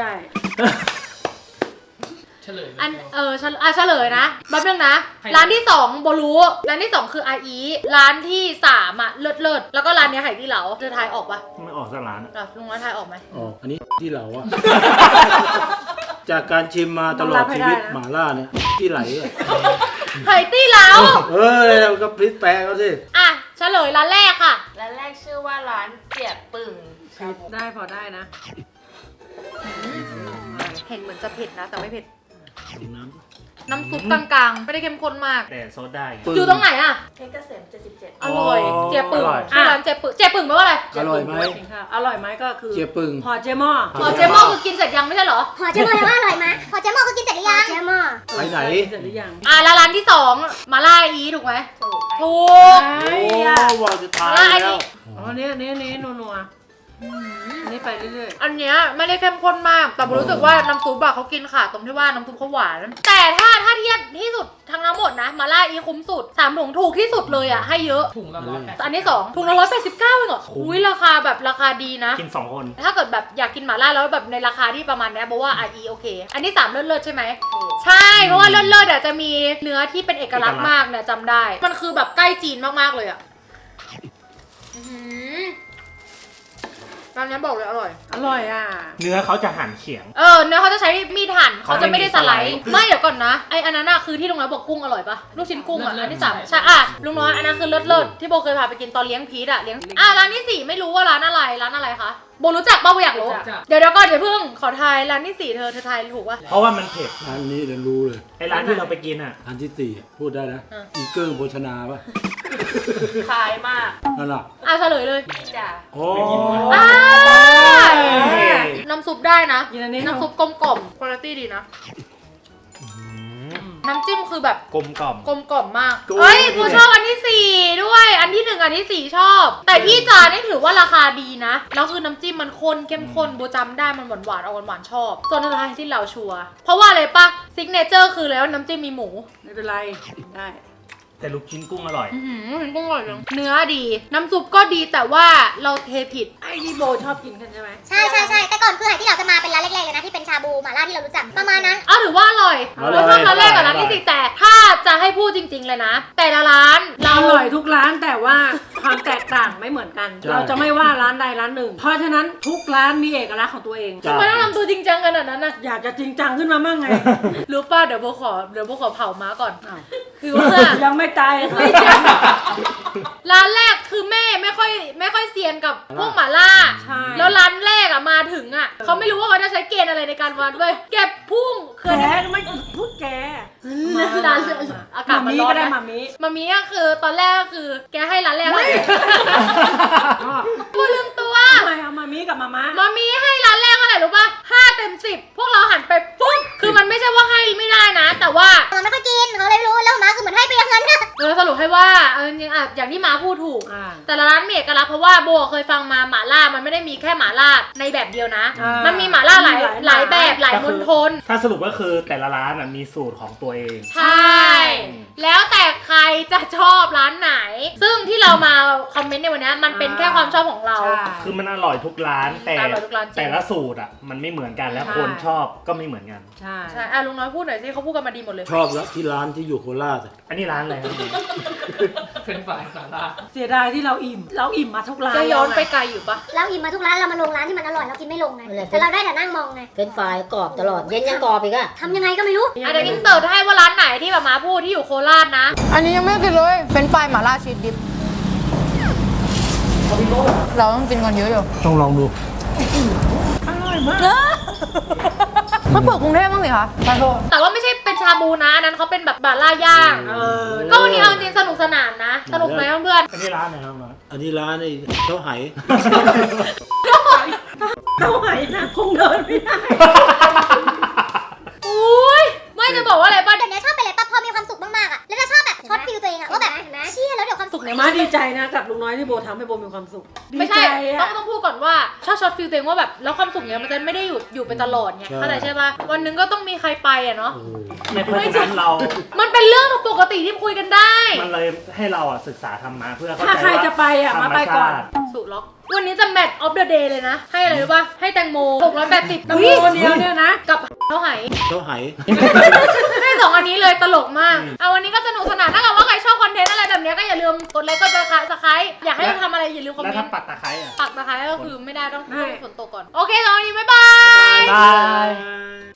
Speaker 5: เฉลยเลย
Speaker 1: อันเออเฉลอ่ะเฉลยนะแป๊บนึงนะ ร้านที่สองโบรู้ร้านที่สองคืออาอีร้านที่สามอ่ะเลิศเลิศแล้วก็ร้านเนี้ยไหที่เหลาเธอทายออกปะ
Speaker 6: ไม่ออกสักร้านอะ
Speaker 1: อ่ะลุงร้านทายออกไหม
Speaker 4: อ๋ออันนี้ที่เหลาอะจากการชิมมาตลอดชีวิตหม่าล่าเนี่ยที่ไหลอะ
Speaker 1: ไห่ตี้เหลา
Speaker 4: เออเราก็พลิกแปลเขาสิ
Speaker 1: อ่ะเฉลยร้านแรกค่ะ
Speaker 8: ร้านแรกชื่อว่าร้านเจียบปึ่งชาบู
Speaker 3: ได้พอได้นะ
Speaker 1: เห็นเหมือนจะเผ็ดนะ แต่ไม่เผ็ด
Speaker 4: ชิมน้
Speaker 1: น้ำซุปกลางๆ ไม่ได้เข้มข้นมาก
Speaker 6: แต่โซดได้ไง
Speaker 4: ำปึ้ง
Speaker 1: อยู่ตรงไหนอ่ะ
Speaker 8: เพชรเกษมเจ็ดสิบเจ็ด
Speaker 1: อร่อย
Speaker 4: อ๋อ
Speaker 1: เจียปึ่ง
Speaker 6: อร่อย
Speaker 1: ชื่อร้านเจียปึ่งเจียปึ่งแปลว่าอะไร
Speaker 4: อร่อยไหม
Speaker 3: อร่อยไหมก็คือ
Speaker 4: เจียปึ่ง
Speaker 3: พอเจหม้อ
Speaker 1: พอเจมอคือกินเสร็จยังไม่ใช่เหรอ
Speaker 2: หอเจมอว่าอร่อยไหมหอเจมอก็กินเสร็จหรือยังเจมอ
Speaker 4: ไปไหน
Speaker 3: เสร็จหรือยัง
Speaker 1: อ่ะแล้วร้านที่สองมาล่าอีถูกไหม
Speaker 8: ถูก
Speaker 1: ถูก
Speaker 3: ไอ้
Speaker 4: โอ้
Speaker 3: ยะ
Speaker 4: ว่าจะทาน
Speaker 1: อะไร
Speaker 4: แล้ว
Speaker 1: นี่
Speaker 3: อ๋อเนี้ยเนี้ยเนี้ยนัวนัวอันนี้ไปเรื่อย
Speaker 1: อันเนี้ยไม่ได้เข้มข้นมาก แต่ผมรู้สึกว่าน้ำซุปอะเขากินขาดตรงที่ว่าน้ำซุปเขาหวาน แต่ถ้าถ้าเทียบที่สุดทั้งทั้งหมดนะมาล่าอีคุ้มสุดสามถุงถูกที่สุดเลยอะให้เยอะ
Speaker 5: ถุงละร้อยแปด
Speaker 1: อันที่สองถุงละร้อยแปดสิบเก้าเองเหรออุ้ยราคาแบบราคาดีนะ
Speaker 6: กินสองคน
Speaker 1: ถ้าเกิดแบบอยากกินหม่าล่าแล้วแบบในราคาที่ประมาณเนี้ยบอกว่าอ่ะอีโอเค อันที่สามเลิศๆใช่ไหม
Speaker 8: ถูก
Speaker 1: ใช่ เพราะว่าเลิศๆอ่ะจะมีเนื้อที่เป็นเอกลักษณ์มากเนี่ยจำได้ มันคือแบบใกล้จีนมากๆเลยอ่ะอื้อหือร้านนี้บอกเลยอร่อย
Speaker 3: ๆ อร่อยอ่ะ
Speaker 6: เนื้อเขาจะหั่นเฉียง
Speaker 1: เออเนื้อเขาจะใช้มีดหั่นเขาจะไม่ได้สไลด์
Speaker 6: เขาไม่มีสไลด์
Speaker 1: ไม่เดี๋ยวก่อนนะไออันนั้นอะคือที่ลุงน้อยบอกกุ้งอร่อยปะลูกชิ้นกุ้งอะอันที่สามใช่อะลุงน้อยอันนั้นคือเลิศเลิศที่โบเคยพาไปกินตอนเลี้ยงพีทอะเลี้ยงอ่ะร้านที่สี่ไม่รู้ว่าร้านอะไรร้านอะไรคะโบรู้จักป่ะโบอยากรู้
Speaker 5: รู้จัก
Speaker 1: เดี๋ยวเดี๋ยวก่อนเดี๋ยวเพิ่งขอทายร้านที่สี่เธอเธอทายถูกปะ
Speaker 6: เพราะว่ามันเผ็ด
Speaker 4: ร้านนี้เดี๋ยวรู้เลย
Speaker 6: ไอ้ร้านที่เราไปกินอ่ะ
Speaker 4: อันที่สี่พูดได้นะ
Speaker 1: อ่ะ
Speaker 4: อีเกิ้งโภชนาป่ะ
Speaker 8: ขายมาก
Speaker 4: นั่นน่ะ
Speaker 1: อ่ะเฉลยเลย
Speaker 8: นี่จ้ะ
Speaker 4: โอ้
Speaker 1: อ่า
Speaker 6: เฮ้ย
Speaker 1: น้ำซุปได้นะ
Speaker 3: กินอันนี้
Speaker 1: น้ำซุปกลมกล่อมคุณภาพดีนะ น้ำจิ้มคือแบบ
Speaker 6: กลมกล่อม
Speaker 1: กลมกล่อมมาก เฮ้ยกูชอบอันที่สี่ด้วย อันที่หนึ่งอันที่สี่ชอบ แต่ที่จานนี่ถือว่าราคาดีนะ แล้วคือน้ำจิ้มมันข้นเข้มข้นโบจำได้มันหวานหวานๆเอาหวานหวานๆชอบ ส่วนอะไรที่เราชัวร์เพราะว่าอะไรปะซิกเนเจอร์คือแล้วน้ำจิ้มมีหมู
Speaker 3: ไม่เป็นไรได้
Speaker 6: แต่ลูกชิ้นกุ้งอร่อย
Speaker 1: อื้อหือกุ้งอร่อยจังเนื้อดี น้ำซุปก็ดีแต่ว่าเราเทผิด
Speaker 3: ไอ้ที่โบชอบกินกันใช่ไหม
Speaker 2: ใช่ใช่ใช่แต่ก่อนคือไหที่เราจะมาเป็นร้านเล็กๆเลยนะที่เป็นชาบูหม่าล่าที่เรารู้จักประมาณนั้น
Speaker 1: อ้าวถือว่าอร่อยเราชอบร้านแรกกับร้านที่สี่แต่ถ้าจะให้พูดจริง ๆ เลยนะ แต่ละร้านเรา
Speaker 3: อร่อยทุกร้านแต่ว่าความแตกต่างไม่เหมือนกัน เราจะไม่ว่าร้านใดร้านหนึ่ง เพราะฉะนั้นทุกร้านมีเอกลักษณ์ของตัวเอง
Speaker 1: ทำไมต้องทำตัวจริงจังขนาดนั้นนะ
Speaker 3: อยากจะจริงจังขึ้นมามั่งไง
Speaker 1: รู้ป่ะเดี๋ยวโบขอเดี๋ยวโบขอเผาม้าก่อน
Speaker 3: อ้าว
Speaker 1: คือว่า
Speaker 3: ยังไม่ตาย
Speaker 1: ไม่ใช่ร้านแรกคือแม่ไม่ค่อยไม่ค่อยเซียนกับพวกหม่าล่า
Speaker 3: ใช่
Speaker 1: แล้วร้านแรกอะมาถึงอะเขาไม่รู้ว่าเขาจะใช้เกณฑ์อะไรในการวัดเว้ยเก็บพุ่งเค
Speaker 3: แก
Speaker 1: ย
Speaker 3: ไม่พูดแก
Speaker 1: ร้านอากาศมัน
Speaker 3: มี
Speaker 1: ร้อน
Speaker 3: ก็ได้
Speaker 1: นะ
Speaker 3: มามี
Speaker 1: มามีก็คือตอนแรกก็คือแกให้ร้านแรกเลยพูดลืมตัว
Speaker 3: ทำไมเอามามีกับมาม่า
Speaker 1: มามีให้ร้านแรกเท่าไหร่รู้ป่ะห้าเต็มสิบพวกเราหันไปปุ๊บคือมันไม่ใช่ว่าให้ไม่ได้นะ แต่ว่า
Speaker 2: มันไม่ค่อยกินเขาเลยไม่รู้แล้วหมาคือเหมือนให้ไปอย่างนั้นนะ
Speaker 1: เออสรุปให้ว่าเออจริงๆอะอย่างที่มาพูดถูก
Speaker 3: อ่า
Speaker 1: แต่ละร้านมีเอกลักษณ์เพราะว่าโบเคยฟังมาหม่าล่ามันไม่ได้มีแค่หม่าล่าในแบบเดียวนะ
Speaker 3: อ่ามั
Speaker 1: มันมีหม่าล่าหลาย
Speaker 3: มีหลาย
Speaker 1: หลายแบบหลาย
Speaker 6: ก็
Speaker 1: ม
Speaker 6: คือ
Speaker 1: ณฑล
Speaker 6: ถ้าสรุปก็คือแต่ละร้านอะมีสูตรของตัวเอง
Speaker 1: ใช่ แล้วแต่ใครจะชอบร้านไหน ซึ่งที่เรามาคอมเมนต์ในวันนี้มันเป็นแค่ความชอบของเรา
Speaker 3: ใช่
Speaker 6: คือมันอร่อยทุกร้านแต่
Speaker 1: อร่อยทุกร้านจริง
Speaker 6: แต่ละสูตรอ่ะมันไม่เหมือนกันแล้ว
Speaker 3: ใช่
Speaker 6: คนชอบก็ไม่เหมือนกัน
Speaker 3: ใช่
Speaker 1: ใช่อ่ะลุงน้อยพูดหน่อยสิเขาพูดกันมาดีหมดเลย
Speaker 4: ชอบแล้วที่ร้านที่อยู่โคราชอะ
Speaker 6: อันนี้ร้านอะไรครับ
Speaker 5: เฟรนช์ฟรายหม่าล่า
Speaker 3: เสียดายที่เราอิ่ม เราอิ่มมาทุกร้าน
Speaker 1: จะย้อนไป
Speaker 3: แล้วไง
Speaker 1: ไกลอยู่ปะ
Speaker 2: เราอิ่มมาทุกร้านเรามาลงร้านที่มันอร่อยเรากินไม่ลงไงแต่เราได้แต่นั่งมองไง
Speaker 7: เป็นไฟรายกรอบตลอด เย็นยังกรอบอีกอะ
Speaker 2: ทำยังไงก็ไม่รู้
Speaker 1: อ่ะเดี๋ยวอินเสิร์ตให้ว่าร้านไหนที่แบบมาพูดที่อยู่โคราชนะ
Speaker 10: อันนี้ยังไม่ได้กินเลย เป็นไฟหม่าล่าชีสดิบ เราต้องกินกันเยอะอยู่
Speaker 4: ต้องลองดู
Speaker 10: มาเปิดกรุงเทพบ้างสิคะไปโทษ
Speaker 1: แต่ว่าไม่ใช่เป็นชาบูนะอันนั้นเขาเป็นแบบบาล่าย่าง
Speaker 3: เออ
Speaker 1: ก็วันนี้เอาจริงๆสนุกสนานนะ สนุกไหมเพื่อน
Speaker 6: อันนี้ร้านไหนครับน้อย
Speaker 4: อันนี้ร้านไอ้เจ้าไห
Speaker 3: เท่าไหร่นะคงเดินไม่ได้
Speaker 1: ๆอุ้ยไม่จะบอกว่าอะไรป่ะ
Speaker 2: เดี๋ยวนี้ชอบไปเลยปั๊บพอมีความสุขมากๆอ่ะแล้วจะชอบแบบช็อตฟิลตัวเองอ่ะว่าแบบเชี่ยแล้วเดี๋ยวความสุข
Speaker 3: มาดีใจนะกับลุงน้อยที่โบทำให้โบมีความสุข
Speaker 1: ไม่ใช่
Speaker 3: ดีใจ
Speaker 1: ต้อง
Speaker 3: อะ
Speaker 1: ต้องพูดก่อนว่าชอบช็อตฟิลตัวเองว่าแบบแล้วความสุขเนี้ยมันจะไม่ได้อยู่อยู่เป็นตลอดไงเข้าใจใช่ป่ะวันหนึงก็ต้องมีใครไปอ่ะเนาะ
Speaker 4: โอ้โห
Speaker 6: ในเพราะฉะนั้นเรา
Speaker 1: มันเป็นเรื่องปกติที่คุยกันได้
Speaker 6: มันเลยให้เราอ่ะศึกษาธรรมะเพื่อเข้า
Speaker 3: ถ้า
Speaker 6: ใจ
Speaker 3: ใคร
Speaker 6: ว่า
Speaker 3: จะไปอ่ะ
Speaker 6: ธร
Speaker 3: มาร ไป
Speaker 6: ม
Speaker 3: ก่อน
Speaker 6: ชาติ
Speaker 1: สุล็อกวันนี้จะแมทออฟเดอะเดย์เลยนะ ให้อะไรรู้ป่ะ ให้แตงโมหกร้อยแปดสิบ
Speaker 3: ตำรวจเดียวเนี่ยนะ
Speaker 1: กับเท่าไหร่
Speaker 4: เจ้าไห
Speaker 1: ให้สองอันนี้เลยตลกมาก เอาวันนี้ก็สนุกสนานถ้าเกิดว่าใครชอบคอนเทนต์อะไรแบบเนี้ยก็อย่าลืมกดไลค์กดซับสไครต์อยากให้เราทำอะไรอย่าลืมคอม
Speaker 6: แล้ว
Speaker 1: เม
Speaker 6: ถ้าน
Speaker 1: ต์
Speaker 6: ปักตะไคร้อ่ะ
Speaker 1: ปักตะไคร้ก็คือไม่ได้ต้อง
Speaker 3: ได้
Speaker 1: ต้องฝนตกก่อน โอเคสำหรับวันนี้บ๊ายบาย
Speaker 6: บาย